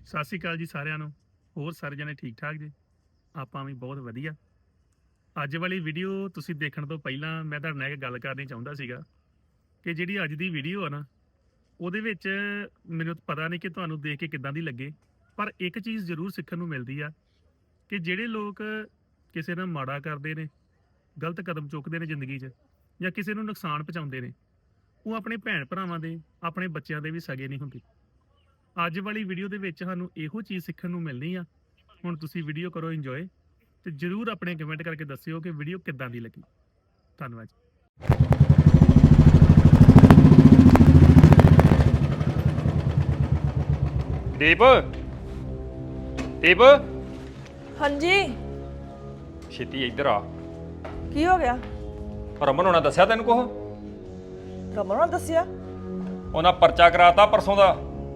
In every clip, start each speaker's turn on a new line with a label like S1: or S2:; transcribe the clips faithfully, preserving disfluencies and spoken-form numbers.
S1: ਸਤਿ ਸ਼੍ਰੀ ਅਕਾਲ ਜੀ ਸਾਰਿਆਂ ਨੂੰ। ਹੋਰ ਸਾਰੇ ਜਣੇ ਠੀਕ ਠਾਕ ਜੀ? ਆਪਾਂ ਵੀ ਬਹੁਤ ਵਧੀਆ। ਅੱਜ ਵਾਲੀ ਵੀਡੀਓ ਤੁਸੀਂ ਦੇਖਣ ਤੋਂ ਪਹਿਲਾਂ ਮੈਂ ਤੁਹਾਡੇ ਨਾਲ ਇੱਕ ਗੱਲ ਕਰਨੀ ਚਾਹੁੰਦਾ ਸੀਗਾ ਕਿ ਜਿਹੜੀ ਅੱਜ ਦੀ ਵੀਡੀਓ ਆ ਨਾ, ਉਹਦੇ ਵਿੱਚ ਮੈਨੂੰ ਪਤਾ ਨਹੀਂ ਕਿ ਤੁਹਾਨੂੰ ਦੇਖ ਕੇ ਕਿੱਦਾਂ ਦੀ ਲੱਗੇ, ਪਰ ਇੱਕ ਚੀਜ਼ ਜ਼ਰੂਰ ਸਿੱਖਣ ਨੂੰ ਮਿਲਦੀ ਆ ਕਿ ਜਿਹੜੇ ਲੋਕ ਕਿਸੇ ਨਾਲ ਮਾੜਾ ਕਰਦੇ ਨੇ, ਗਲਤ ਕਦਮ ਚੁੱਕਦੇ ਨੇ ਜ਼ਿੰਦਗੀ 'ਚ, ਜਾਂ ਕਿਸੇ ਨੂੰ ਨੁਕਸਾਨ ਪਹੁੰਚਾਉਂਦੇ ਨੇ, ਉਹ ਆਪਣੇ ਭੈਣ ਭਰਾਵਾਂ ਦੇ, ਆਪਣੇ ਬੱਚਿਆਂ ਦੇ ਵੀ ਸਗੇ ਨਹੀਂ ਹੁੰਦੇ। ਅੱਜ ਵਾਲੀ ਵੀਡੀਓ ਦੇ ਵਿੱਚ ਸਾਨੂੰ ਇਹੋ ਚੀਜ਼ ਸਿੱਖਣ ਨੂੰ ਮਿਲਣੀ ਆ। ਹੁਣ ਤੁਸੀਂ ਵੀਡੀਓ ਕਰੋ ਇੰਜੋਏ, ਤੇ ਜਰੂਰ ਆਪਣੇ ਕਮੈਂਟ ਕਰਕੇ ਦੱਸਿਓ ਕਿ ਵੀਡੀਓ ਕਿੱਦਾਂ ਦੀ ਲੱਗੀ। ਧੰਨਵਾਦ।
S2: ਦੀਪ ਦੀਪ
S3: ਹਾਂਜੀ।
S2: ਛੇਤੀ ਇੱਧਰ ਆ।
S3: ਕੀ ਹੋ ਗਿਆ?
S2: ਰਮਨ ਹੋਣਾ ਦੱਸਿਆ ਤੈਨੂੰ ਕੁਛ?
S3: ਰਮਨ ਨੇ ਦੱਸਿਆ?
S2: ਉਹਨਾਂ ਪਰਚਾ ਕਰਾਤਾ ਪਰਸੋਂ ਦਾ।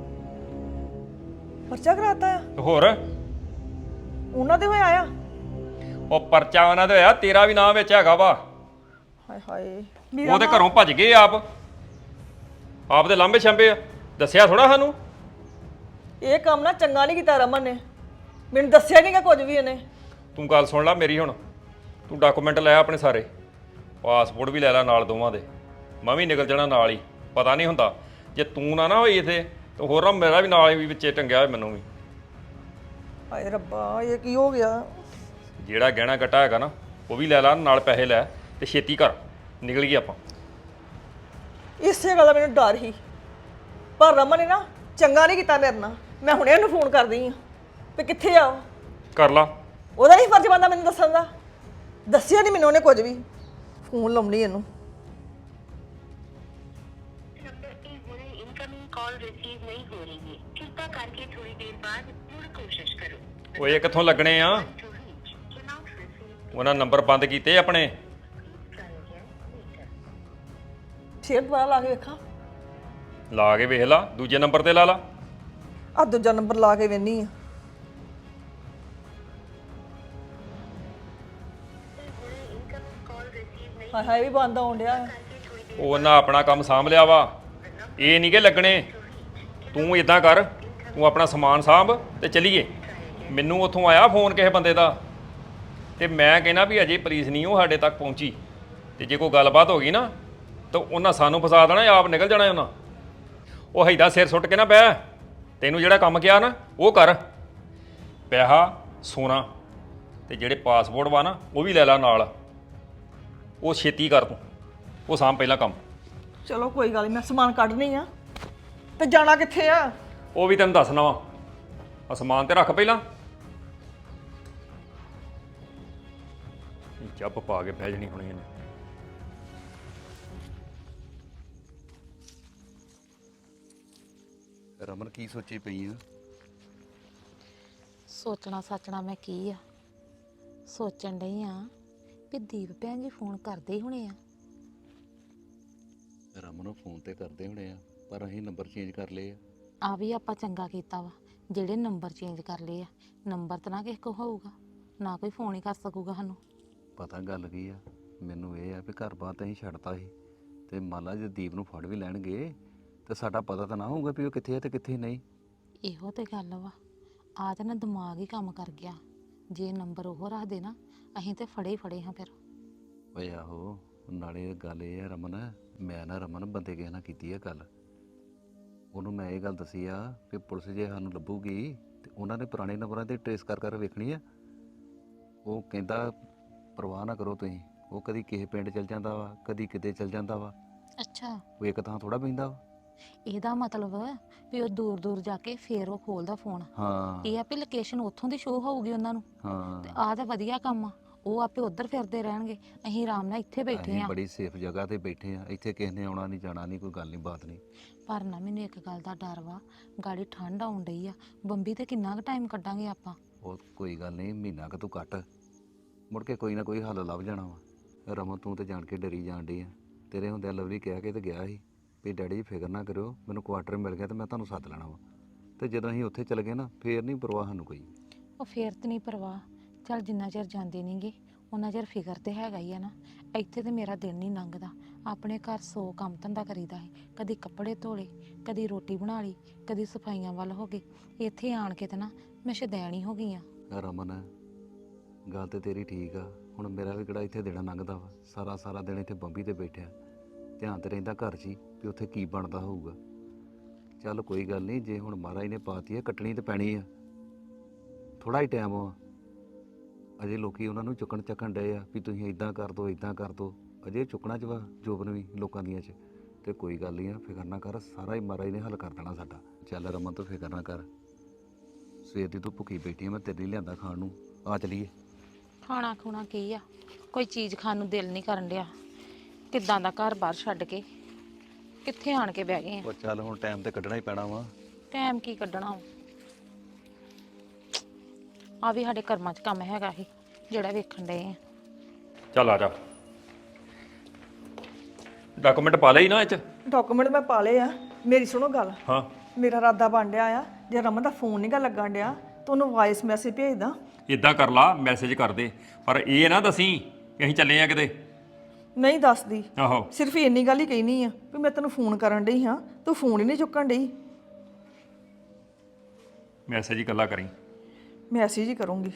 S3: ਪਰਚਾ ਕਰਾਤਾ ਆ?
S2: ਤੇ ਹੋਰ
S3: ਉਹਨਾਂ ਦੇ ਹੋਇਆ ਆ?
S2: ਉਹ ਪਰਚਾ ਉਹਨਾਂ ਦੇ ਹੋਇਆ, ਤੇਰਾ ਵੀ ਨਾਂ ਵਿੱਚ ਹੈਗਾ ਵਾ।
S3: ਹਾਏ ਹਾਏ,
S2: ਉਹ ਤੇ ਘਰੋਂ ਭੱਜ ਗਏ ਆਪ ਆਪ ਦੇ ਲਾਂਬੇ ਛੰਬੇ ਆ। ਦੱਸਿਆ ਥੋੜਾ ਸਾਨੂੰ।
S3: ਇਹ ਕੰਮ ਨਾ ਚੰਗਾ ਨਹੀਂ ਕੀਤਾ ਰਮਨ ਨੇ, ਮੈਨੂੰ ਦੱਸਿਆ ਨਹੀਂਗਾ ਕੁਝ ਵੀ ਇਹਨੇ।
S2: ਤੂੰ ਗੱਲ ਸੁਣ ਲੈ ਮੇਰੀ ਹੁਣ। ਤੂੰ ਡਾਕੂਮੈਂਟ ਲੈ ਆਪਣੇ ਸਾਰੇ, ਪਾਸਪੋਰਟ ਵੀ ਲੈ ਲੈ ਨਾਲ ਦੋਵਾਂ ਦੇ। ਮੈਂ ਵੀ ਨਿਕਲ ਜਾਣਾ ਨਾਲ ਹੀ। ਪਤਾ ਨਹੀਂ ਹੁੰਦਾ ਜੇ ਤੂੰ ਨਾ ਨਾ ਹੋਈ ਇੱਥੇ ਤੇ ਹੋਰ ਨਾ ਮੇਰਾ ਵੀ ਨਾਲ ਹੀ ਵਿੱਚੇ ਟੰਗਿਆ ਹੋਇਆ ਮੈਨੂੰ ਵੀ।
S3: ਹਾਏ ਰੱਬਾ, ਇਹ ਕੀ ਹੋ ਗਿਆ?
S2: ਜਿਹੜਾ ਗਹਿਣਾ ਗੱਟਾ ਹੈਗਾ ਨਾ ਉਹ ਵੀ ਲੈ ਲਾ ਨਾਲ, ਪੈਸੇ ਲੈ ਤੇ ਛੇਤੀ ਕਰ, ਨਿਕਲ ਗਏ ਆਪਾਂ।
S3: ਇਸੇ ਗੱਲ ਦਾ ਮੈਨੂੰ ਡਰ ਹੀ, ਪਰ ਰਮਨ ਨੇ ਨਾ ਚੰਗਾ ਨਹੀਂ ਕੀਤਾ ਮੇਰੇ ਨਾਲ। ਮੈਂ ਹੁਣੇ ਉਹਨੂੰ ਫੋਨ ਕਰਦੀ ਆ ਵੀ ਕਿੱਥੇ ਆ ਉਹ।
S2: ਕਰ ਲਾ।
S3: ਉਹਦਾ ਨਹੀਂ ਫਰਜ਼ ਬਣਦਾ ਮੈਨੂੰ ਦੱਸਣ ਦਾ? ਦੱਸਿਆ ਨਹੀਂ ਮੈਨੂੰ ਉਹਨੇ ਕੁਝ ਵੀ। ਫੋਨ ਲਾਉਣੀ ਇਹਨੂੰ।
S4: कॉल रिसीव नहीं हो रही है, कृपा करके थोड़ी देर बाद फिर कोशिश करो।
S2: ਓਏ ਕਿੱਥੋਂ ਲੱਗਣੇ ਆ?
S4: To reach, cannot receive,
S2: ਉਹਨਾਂ ਨੰਬਰ ਬੰਦ ਕੀਤੇ ਆਪਣੇ।
S4: try again later।
S3: ਫੇਰ ਦੁਬਾਰਾ ਲਾ ਕੇ ਵੇਖਾਂ?
S2: ਲਾ ਕੇ ਵੇਖ ਲਾ, ਦੂਜੇ ਨੰਬਰ ਤੇ ਲਾ ਲਾ।
S3: ਆ ਦੂਜਾ ਨੰਬਰ ਲਾ ਕੇ ਵੇਖਨੀ ਆ।
S4: इनकमिंग कॉल रिसीव नहीं
S3: ਹਾਏ ਹਾਏ, ਵੀ ਬੰਦ ਆਉਣ ਡਿਆ ਆ।
S4: करके थोड़ी देर
S2: ਉਹ ਉਹਨਾਂ ਆਪਣਾ ਕੰਮ ਸਾਂਭ ਲਿਆ ਵਾ, ਇਹ ਨਹੀਂ ਕਿ ਲੱਗਣੇ। ਤੂੰ ਇਦਾਂ ਕਰ, ਤੂੰ ਆਪਣਾ ਸਮਾਨ ਸਾਂਭ ਤੇ ਚੱਲੀਏ। ਮੈਨੂੰ ਉੱਥੋਂ ਆਇਆ ਫੋਨ ਕਿਸੇ ਬੰਦੇ ਦਾ, ਤੇ ਮੈਂ ਕਹਿੰਦਾ ਵੀ ਅਜੇ ਪੁਲਿਸ ਨਹੀਂ ਉਹ ਸਾਡੇ ਤੱਕ ਪਹੁੰਚੀ, ਤੇ ਜੇ ਕੋਈ ਗੱਲਬਾਤ ਹੋ ਗਈ ਨਾ ਤਾਂ ਉਹਨਾਂ ਸਾਨੂੰ ਫਸਾ ਦੇਣਾ, ਆਪ ਨਿਕਲ ਜਾਣਾ ਉਹਨਾਂ। ਉਹ ਹੈਦਾ ਸਿਰ ਸੁੱਟ ਕੇ ਨਾ ਬਹਿ, ਤੈਨੂੰ ਜਿਹੜਾ ਕੰਮ ਕਿਹਾ ਨਾ ਉਹ ਕਰ। ਪੈਸਾ ਸੋਨਾ ਤੇ ਜਿਹੜੇ ਪਾਸਪੋਰਟ ਵਾ ਨਾ ਉਹ ਵੀ ਲੈ ਲੈ ਨਾਲ। ਉਹ ਛੇਤੀ ਕਰ ਤੂੰ, ਉਹ ਸਾਂਭ ਪਹਿਲਾਂ ਕੰਮ।
S3: ਚਲੋ ਕੋਈ ਗੱਲ ਨਹੀਂ, ਮੈਂ ਸਮਾਨ ਕੱਢਣੀ ਆ। ਤੇ ਜਾਣਾ ਕਿੱਥੇ ਆ?
S2: ਉਹ ਵੀ ਤੈਨੂੰ ਦੱਸਣਾ ਵਾ। ਅਸਮਾਨ ਤੇ ਰੱਖ ਪਹਿਲਾਂ। ਜੱਬ ਪਾ ਕੇ ਬਹਿ ਜਣੀ ਹੋਣੀ ਇਹਨੇ।
S5: ਰਮਨ ਕੀ ਸੋਚੀ ਪਈ ਆ?
S6: ਸੋਚਣਾ ਸਾਚਣਾ ਮੈਂ ਕੀ ਆ, ਸੋਚਣ ਡਈ ਆ ਵੀ ਦੀਪ ਭੈਣ ਜੀ ਫੋਨ ਕਰਦੇ ਹੀ ਹੋਣੇ ਆ।
S5: ਰਮਨ ਨੂੰ ਫੋਨ ਤੇ ਕਰਦੇ ਹੋਣੇ ਆ, ਪਰ ਅਸੀਂ ਨੰਬਰ ਚੇਂਜ ਕਰ ਲਏ ਆ।
S6: ਆ ਵੀ ਆਪਾਂ ਚੰਗਾ ਕੀਤਾ ਵਾ ਜਿਹੜੇ ਨੰਬਰ ਚੇਂਜ ਕਰ ਲਏ ਆ। ਨੰਬਰ ਤਾਂ ਨਾ ਕਿਸੇ ਕੋ ਹੋਊਗਾ, ਨਾ ਕੋਈ ਫੋਨ ਹੀ ਕਰ ਸਕੂਗਾ ਸਾਨੂੰ।
S5: ਪਤਾ ਗੱਲ ਕੀ ਆ, ਮੈਨੂੰ ਇਹ ਆ ਵੀ ਘਰ ਬਾਰ ਤਾਂ ਅਸੀਂ ਛੱਡਤਾ ਸੀ, ਤੇ ਮੰਨ ਲਾ ਜੇ ਦੀਪ ਨੂੰ ਫੜ ਵੀ ਲੈਣਗੇ ਤੇ ਸਾਡਾ ਪਤਾ ਤਾਂ ਨਾ ਹੋਊਗਾ ਵੀ ਉਹ ਕਿੱਥੇ ਆ ਤੇ ਕਿੱਥੇ ਨਹੀਂ।
S6: ਇਹੋ ਤੇ ਗੱਲ ਵਾ, ਆ ਤਾਂ ਨਾ ਦਿਮਾਗ ਹੀ ਕੰਮ ਕਰ ਗਿਆ। ਜੇ ਨੰਬਰ ਉਹ ਰੱਖਦੇ ਨਾ, ਅਸੀਂ ਤੇ ਫੜੇ ਹੀ ਫੜੇ ਹਾਂ ਫਿਰ।
S5: ਓਏ ਆਹੋ, ਨਾਲੇ ਗੱਲ ਇਹ ਆ ਰਮਨ, ਮੈਂ ਨਾ ਰਮਨ ਬੰਦੇ ਕਿਸੇ ਨਾਲ ਕੀਤੀ ਆ ਗੱਲ। ਉਹਨੂੰ ਮੈਂ ਇਹ ਗੱਲ ਦੱਸੀ ਆ ਵੀ ਪੁਲਿਸ ਜੇ ਸਾਨੂੰ ਲੱਭੂਗੀ ਤੇ ਉਹਨਾਂ ਨੇ ਪੁਰਾਣੇ ਨੰਬਰਾਂ ਤੇ ਟਰੇਸ ਕਰ ਕਰ ਵੇਖਣੀ ਆ। ਉਹ ਕਹਿੰਦਾ ਪਰਵਾਹ ਨਾ ਕਰੋ ਤੁਸੀਂ, ਉਹ ਕਦੀ ਕਿਸੇ ਪਿੰਡ ਚਲ ਜਾਂਦਾ ਵਾ, ਕਦੀ ਕਿਤੇ ਚਲ ਜਾਂਦਾ ਵਾ।
S6: ਅੱਛਾ,
S5: ਉਹ ਇੱਕ ਥਾਂ ਥੋੜਾ ਬਹਿੰਦਾ ਵਾ।
S6: ਇਹਦਾ ਮਤਲਬ ਵੀ ਉਹ ਦੂਰ ਦੂਰ ਜਾ ਕੇ ਫੇਰ ਉਹ ਖੋਲਦਾ ਫੋਨ।
S5: ਹਾਂ
S6: ਇਹ ਆ ਵੀ ਲੋਕੇਸ਼ਨ ਉੱਥੋਂ ਦੀ ਸ਼ੋ ਹੋਊਗੀ ਉਹਨਾਂ ਨੂੰ।
S5: ਹਾਂ,
S6: ਤੇ ਆਹ ਤਾਂ ਵਧੀਆ ਕੰਮ ਆ, ਉਹ ਆਪੇ ਉੱਧਰ ਫਿਰਦੇ ਰਹਿਣਗੇ, ਅਸੀਂ ਆਰਾਮ ਨਾਲ ਇੱਥੇ ਬੈਠੇ
S5: ਅਸੀਂ
S6: ਆ।
S5: ਬੜੀ ਸੇਫ ਜਗ੍ਹਾ ਤੇ ਬੈਠੇ ਆ, ਇੱਥੇ ਕਿਸੇ ਨੇ ਆਉਣਾ ਨਹੀਂ ਜਾਣਾ ਨਹੀਂ, ਕੋਈ ਗੱਲ ਨਹੀਂ ਬਾਤ ਨਹੀਂ।
S6: ਪਰ ਨਾ ਮੈਨੂੰ ਇੱਕ ਗੱਲ ਦਾ ਡਰ ਵਾ, ਗਾੜੀ ਠੰਡ ਆਉਣ ਡਈ ਆ, ਬੰਬੀ ਤੇ ਕਿੰਨਾ ਕੁ ਟਾਈਮ ਕੱਢਾਂਗੇ ਆਪਾਂ।
S5: ਉਹ ਕੋਈ ਗੱਲ ਨਹੀਂ, ਮਹੀਨਾ ਕੁ ਤੂੰ ਕੱਟ, ਮੁੜ ਕੇ ਕੋਈ ਨਾ ਕੋਈ ਹੱਲ ਲੱਭ ਜਾਣਾ ਵਾ। ਰਮਨ ਤੂੰ ਤੇ ਜਾਣ ਕੇ ਡਰੀ ਜਾਣ ਡਈ ਆ। ਤੇਰੇ ਹੁੰਦਿਆਂ ਲਵਲੀ ਕਹਿ ਕੇ ਤੇ ਗਿਆ ਸੀ ਵੀ ਡੈਡੀ ਜੀ ਫਿਕਰ ਨਾ ਕਰਿਓ, ਮੈਨੂੰ ਕੁਆਟਰ ਮਿਲ ਗਿਆ ਤੇ ਮੈਂ ਤੁਹਾਨੂੰ ਸੱਦ ਲੈਣਾ ਵਾ। ਤੇ ਜਦੋਂ ਅਸੀਂ ਉੱਥੇ ਚਲੇ ਗਏ ਨਾ, ਫੇਰ ਨਹੀਂ ਪਰਵਾਹ ਸਾਨੂੰ ਕੋਈ।
S6: ਉਹ ਫੇਰ ਤੇ ਨਹੀਂ ਪਰਵਾਹ, ਚੱਲ ਜਿੰਨਾ ਚਿਰ ਜਾਂਦੇ ਨਹੀਂਗੇ ਉਹਨਾਂ ਚਿਰ ਫਿਕਰ ਤੇ ਹੈਗਾ ਹੀ ਆ ਨਾ। ਇੱਥੇ ਤੇ ਮੇਰਾ ਦਿਨ ਨਹੀਂ ਲੰਘਦਾ। ਆਪਣੇ ਘਰ ਸੌ ਕੰਮ ਧੰਦਾ ਕਰੀਦਾ ਹੈ, ਕਦੀ ਕੱਪੜੇ ਧੋਲੇ, ਕਦੀ ਰੋਟੀ ਬਣਾ ਲਈ, ਕਦੀ ਸਫਾਈਆਂ ਵੱਲ ਹੋ ਗਏ। ਇੱਥੇ ਆਣ ਕੇ ਤੇ ਨਾ ਮੈਂ ਸ਼ੁਦੈਣ ਹੀ ਹੋ ਗਈ ਆ।
S5: ਰਮਨ ਗੱਲ ਤੇ ਤੇਰੀ ਠੀਕ ਆ, ਹੁਣ ਮੇਰਾ ਵੀ ਕਿਹੜਾ ਇੱਥੇ ਦੇਣਾ ਲੰਘਦਾ ਵਾ। ਸਾਰਾ ਸਾਰਾ ਦਿਨ ਇੱਥੇ ਬੰਬੀ ਤੇ ਬੈਠਿਆ, ਧਿਆਨ ਤੇ ਰਹਿੰਦਾ ਘਰ 'ਚ ਹੀ ਵੀ ਉੱਥੇ ਕੀ ਬਣਦਾ ਹੋਊਗਾ। ਚੱਲ ਕੋਈ ਗੱਲ ਨਹੀਂ, ਜੇ ਹੁਣ ਮਹਾਰਾਜ ਨੇ ਪਾਤੀ ਆ ਕੱਟਣੀ ਤੇ ਪੈਣੀ ਆ। ਥੋੜਾ ਹੀ ਟਾਈਮ ਆ ਅਜੇ, ਲੋਕੀ ਉਹਨਾਂ ਨੂੰ ਚੁੱਕਣ ਚੱਕਣ ਡਏ ਆ ਵੀ ਤੁਸੀਂ ਇਦਾਂ ਕਰ ਦੋ ਇਦਾਂ ਕਰ ਦੋ। ਅਜੇ ਚੁੱਕਣਾ ਚ ਵਾ ਜੋਬਨ ਵੀ ਲੋਕਾਂ ਦੀਆਂ 'ਚ। ਤੇ ਕੋਈ ਗੱਲ ਨਹੀਂ ਆ, ਫਿਕਰ ਨਾ ਕਰ, ਸਾਰਾ ਹੀ ਮਹਾਰਾਜ ਨੇ ਹੱਲ ਕਰ ਦੇਣਾ ਸਾਡਾ। ਚੱਲ ਰਮਨ ਤੂੰ ਫਿਕਰ ਨਾ ਕਰ, ਸਵੇਰ ਦੀ ਤੂੰ ਭੁੱਖੀ ਬੈਠੀ ਆ, ਮੈਂ ਤੇਰੇ ਲਈ ਲਿਆਂਦਾ ਖਾਣ ਨੂੰ, ਆ ਚਲੀਏ।
S6: ਖਾਣਾ ਖੂਣਾ ਕੀ ਆ, ਕੋਈ ਚੀਜ਼ ਖਾਣ ਨੂੰ ਦਿਲ ਨਹੀਂ ਕਰਨ ਡਿਆ। ਕਿੱਦਾਂ ਦਾ ਘਰ ਬਾਹਰ ਛੱਡ ਕੇ ਕਿੱਥੇ ਆਣ ਕੇ ਬਹਿ ਗਏ ਆ।
S5: ਉਹ ਚੱਲ ਹੁਣ ਟਾਈਮ ਤੇ ਕੱਢਣਾ ਹੀ ਪੈਣਾ ਵਾ।
S6: ਟਾਈਮ ਕੀ ਕੱਢਣਾ, ਆ ਵੀ ਸਾਡੇ ਕਰਮਾਂ 'ਚ ਕੰਮ ਹੈਗਾ ਸੀ ਜਿਹੜਾ ਵੇਖਣ ਡਏ ਆ।
S2: ਚੱਲ ਆ ਜਾ, ਡਾਕੂਮੈਂਟ ਪਾ ਲਈ ਨਾ ਇਹ 'ਚ?
S3: ਡਾਕੂਮੈਂਟ ਮੈਂ ਪਾ ਲਏ ਆ। ਮੇਰੀ ਸੁਣੋ ਗੱਲ,
S2: ਹਾਂ।
S3: ਮੇਰਾ ਇਰਾਦਾ ਬਣ ਡਿਆ ਆ, ਜੇ ਰਮਨ ਦਾ ਫੋਨ ਨਹੀਂ ਗਾ ਲੱਗਣ ਡਿਆ ਤਾਂ ਉਹਨੂੰ ਵਾਇਸ ਮੈਸੇਜ ਭੇਜਦਾ।
S2: ਇਦਾਂ ਕਰ ਲਾ, ਮੈਸੇਜ ਕਰ ਦੇ, ਪਰ ਇਹ ਨਾ ਦਸੀਂ ਕਿ ਅਸੀਂ ਚੱਲੇ ਆ ਕਿਤੇ।
S3: ਨਹੀਂ ਦੱਸਦੀ,
S2: ਆਹੋ
S3: ਸਿਰਫ ਇੰਨੀ ਗੱਲ ਹੀ ਕਹਿਣੀ ਆ ਵੀ ਮੈਂ ਤੈਨੂੰ ਫੋਨ ਕਰਨ ਡਈ ਹਾਂ, ਤੂੰ ਫੋਨ ਹੀ ਨਹੀਂ ਚੁੱਕਣ ਡਈ।
S2: ਮੈਸੇਜ ਹੀ ਇਕੱਲਾ ਕਰੀ।
S3: ਮੈਸੇਜ ਹੀ ਕਰੂੰਗੀ।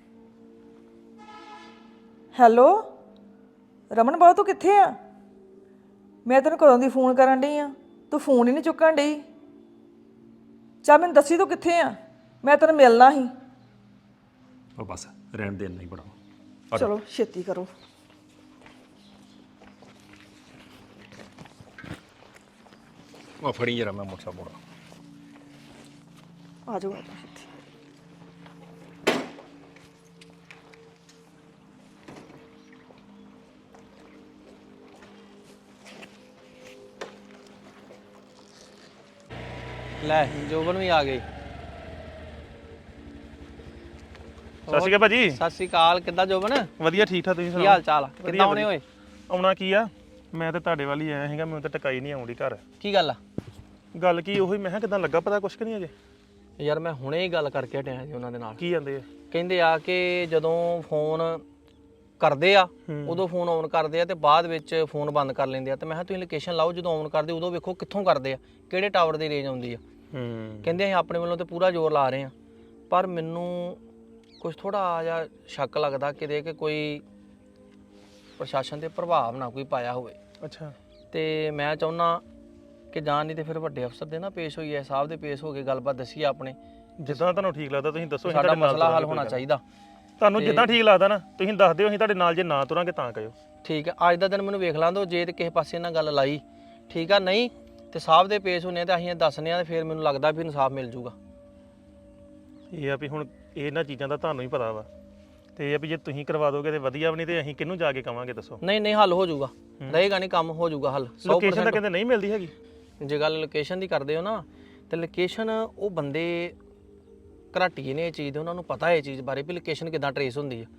S3: ਹੈਲੋ ਰਮਨ ਬਾਬੂ, ਤੂੰ ਕਿੱਥੇ ਆ? ਮੈਂ ਤੈਨੂੰ ਕਦੋਂ ਦੀ ਫੋਨ ਕਰਨ ਡਈ ਆ, ਤੂੰ ਫੋਨ ਹੀ ਨਹੀਂ ਚੁੱਕਣ ਡਈ। ਚੱਲ ਮੈਨੂੰ ਦੱਸੀ ਤੂੰ ਕਿੱਥੇ ਆ, ਮੈਂ ਤੈਨੂੰ ਮਿਲਣਾ ਸੀ।
S2: ਉਹ ਬਸ ਰਹਿਣ ਦੇ, ਨਹੀਂ ਬੜਾ।
S3: ਚਲੋ ਛੇਤੀ ਕਰੋ।
S2: ਉਹ ਫੜੀ ਜਰਾ, ਮੈਂ ਮੋਟਾ ਮੋੜਾ।
S3: ਆ ਜਾਓ ਆ ਜਾਓ ਛੇਤੀ।
S7: ਲੈ ਜੋਬਨ ਵੀ ਆ ਗਈ।
S1: ਸਤਿ ਸ਼੍ਰੀ ਅਕਾਲ ਭਾਜੀ।
S7: ਸਤਿ ਸ਼੍ਰੀ ਅਕਾਲ, ਕਿੱਦਾਂ ਜੋਬਨ?
S1: ਵਧੀਆ ਠੀਕ ਠਾਕ, ਤੁਸੀਂ
S7: ਕੀ
S1: ਸੁਣਾਓ?
S7: ਹਾਲ ਚਾਲ ਆ? ਕਿੱਦਾਂ ਆਉਣੇ ਹੋਏ?
S1: ਆਉਣਾ ਕੀ ਆ, ਮੈਂ ਤੇ ਤੁਹਾਡੇ ਵੱਲ ਹੀ ਆਇਆ ਸੀਗਾ, ਮੈਨੂੰ ਤਾਂ ਟਕਾਈ ਨਹੀਂ ਆਉਂਦੀ ਘਰ।
S7: ਕੀ ਗੱਲ ਆ?
S1: ਗੱਲ ਕੀ ਉਹੀ, ਮੈਂ ਕਿਹਾ ਕਿਦਾਂ ਲੱਗਾ ਪਤਾ ਕੁਛ ਕਿ ਨਹੀਂ ਅਜੇ?
S7: ਯਾਰ ਮੈਂ ਹੁਣੇ ਹੀ ਗੱਲ ਕਰਕੇ ਹਟਿਆ ਜੀ ਉਹਨਾਂ ਦੇ ਨਾਲ।
S1: ਕੀ ਜਾਂਦੇ ਆ?
S7: ਕਹਿੰਦੇ ਆ ਕਿ ਜਦੋਂ ਫੋਨ ਕਰਦੇ ਆ ਉਦੋਂ ਫੋਨ ਆਨ ਕਰਦੇ ਆ ਤੇ ਬਾਅਦ ਵਿੱਚ ਫੋਨ ਬੰਦ ਕਰ ਲੈਂਦੇ ਆ। ਤੇ ਮੈਂ ਕਿਹਾ ਤੁਸੀਂ ਲੋਕੇਸ਼ਨ ਲਾਓ, ਜਦੋਂ ਆਨ ਕਰਦੇ ਉਦੋਂ ਵੇਖੋ ਕਿੱਥੋਂ ਕਰਦੇ ਆ, ਕਿਹੜੇ ਟਾਵਰ ਦੀ ਰੇਂਜ ਆਉਂਦੀ ਆ।
S1: ਹੂੰ।
S7: ਕਹਿੰਦੇ ਅਸੀਂ ਆਪਣੇ ਵੱਲੋਂ ਤੇ ਪੂਰਾ ਜ਼ੋਰ ਲਾ ਰਹੇ ਆ, ਪਰ ਮੈਨੂੰ ਕੁਝ ਥੋੜਾ ਜਿਹਾ ਸ਼ੱਕ ਲੱਗਦਾ ਕਿਤੇ ਕਿ ਕੋਈ ਪ੍ਰਸ਼ਾਸਨ ਦੇ ਪ੍ਰਭਾਵ ਨਾ ਕੋਈ ਪਾਇਆ ਹੋਵੇ।
S1: ਅੱਛਾ।
S7: ਤੇ ਮੈਂ ਚਾਹੁੰਦਾ ਕਿ ਜਾਂ ਨਹੀਂ ਤੇ ਫਿਰ ਵੱਡੇ ਅਫਸਰ ਦੇ ਨਾ ਪੇਸ਼ ਹੋਈਏ, ਸਾਹਿਬ ਦੇ ਪੇਸ਼ ਹੋ ਕੇ ਗੱਲਬਾਤ ਦੱਸੀਏ ਆਪਣੇ।
S1: ਜਿੱਦਾਂ ਤੁਹਾਨੂੰ ਠੀਕ ਲੱਗਦਾ ਤੁਸੀਂ ਦੱਸੋ।
S7: ਸਾਡਾ ਮਸਲਾ ਹੱਲ ਹੋਣਾ ਚਾਹੀਦਾ।
S1: ਤੁਹਾਨੂੰ ਜਿੱਦਾਂ ਠੀਕ ਲੱਗਦਾ ਨਾ ਤੁਸੀਂ ਦੱਸ ਦਿਓ, ਅਸੀਂ ਤੁਹਾਡੇ ਨਾਲ ਜੇ ਨਾ ਤੁਰਾਂਗੇ ਤਾਂ ਕਹਿਓ।
S7: ਠੀਕ ਹੈ, ਅੱਜ ਦਾ ਦਿਨ ਮੈਨੂੰ ਵੇਖ ਲਾਂ ਦਿਓ, ਜੇ ਤੇ ਕਿਸੇ ਪਾਸੇ ਇਹਨਾਂ ਗੱਲ ਲਾਈ ਠੀਕ ਆ, ਨਹੀਂ ਤੇ ਸਾਹਿਬ ਦੇ ਪੇਸ਼ ਹੋਣੇ ਤੇ ਅਸੀਂ ਦੱਸਨੇ ਆ ਤੇ ਫਿਰ ਮੈਨੂੰ ਲੱਗਦਾ ਵੀ ਇਨਸਾਫ ਮਿਲ ਜੂਗਾ।
S1: ਇਹ ਆ ਵੀ ਹੁਣ ਇਹਨਾਂ ਚੀਜ਼ਾਂ ਦਾ ਤੁਹਾਨੂੰ ਹੀ ਪਤਾ ਵਾ, ਤੇ ਇਹ ਆ ਵੀ ਜੇ ਤੁਸੀਂ ਕਰਵਾ ਦੋਗੇ ਤੇ ਵਧੀਆ ਵੀ, ਨਹੀਂ ਤੇ ਅਸੀਂ ਕਿਹਨੂੰ ਜਾ ਕੇ ਕਵਾਂਗੇ ਦੱਸੋ?
S7: ਨਹੀਂ ਨਹੀਂ ਹੱਲ ਹੋ ਜੂਗਾ, ਰਹੇਗਾ ਨਹੀਂ, ਕੰਮ ਹੋ ਜੂਗਾ ਹੱਲ।
S1: ਲੋਕੇਸ਼ਨ ਤਾਂ ਕਹਿੰਦੇ ਨਹੀਂ ਮਿਲਦੀ ਹੈਗੀ। ਜੇ
S7: ਗੱਲ ਲੋਕੇਸ਼ਨ ਦੀ ਕਰਦੇ ਹੋ ਨਾ, ਤੇ ਲੋਕੇਸ਼ਨ ਉਹ ਬੰਦੇ ਘਰਾਟੀਏ ਨੇ ਇਹ ਚੀਜ਼ ਦੇ, ਉਹਨਾਂ ਨੂੰ ਪਤਾ ਇਹ ਚੀਜ਼ ਬਾਰੇ ਵੀ ਲੋਕੇਸ਼ਨ ਕਿੱਦਾਂ ਟਰੇਸ ਹੁੰਦੀ ਹੈ।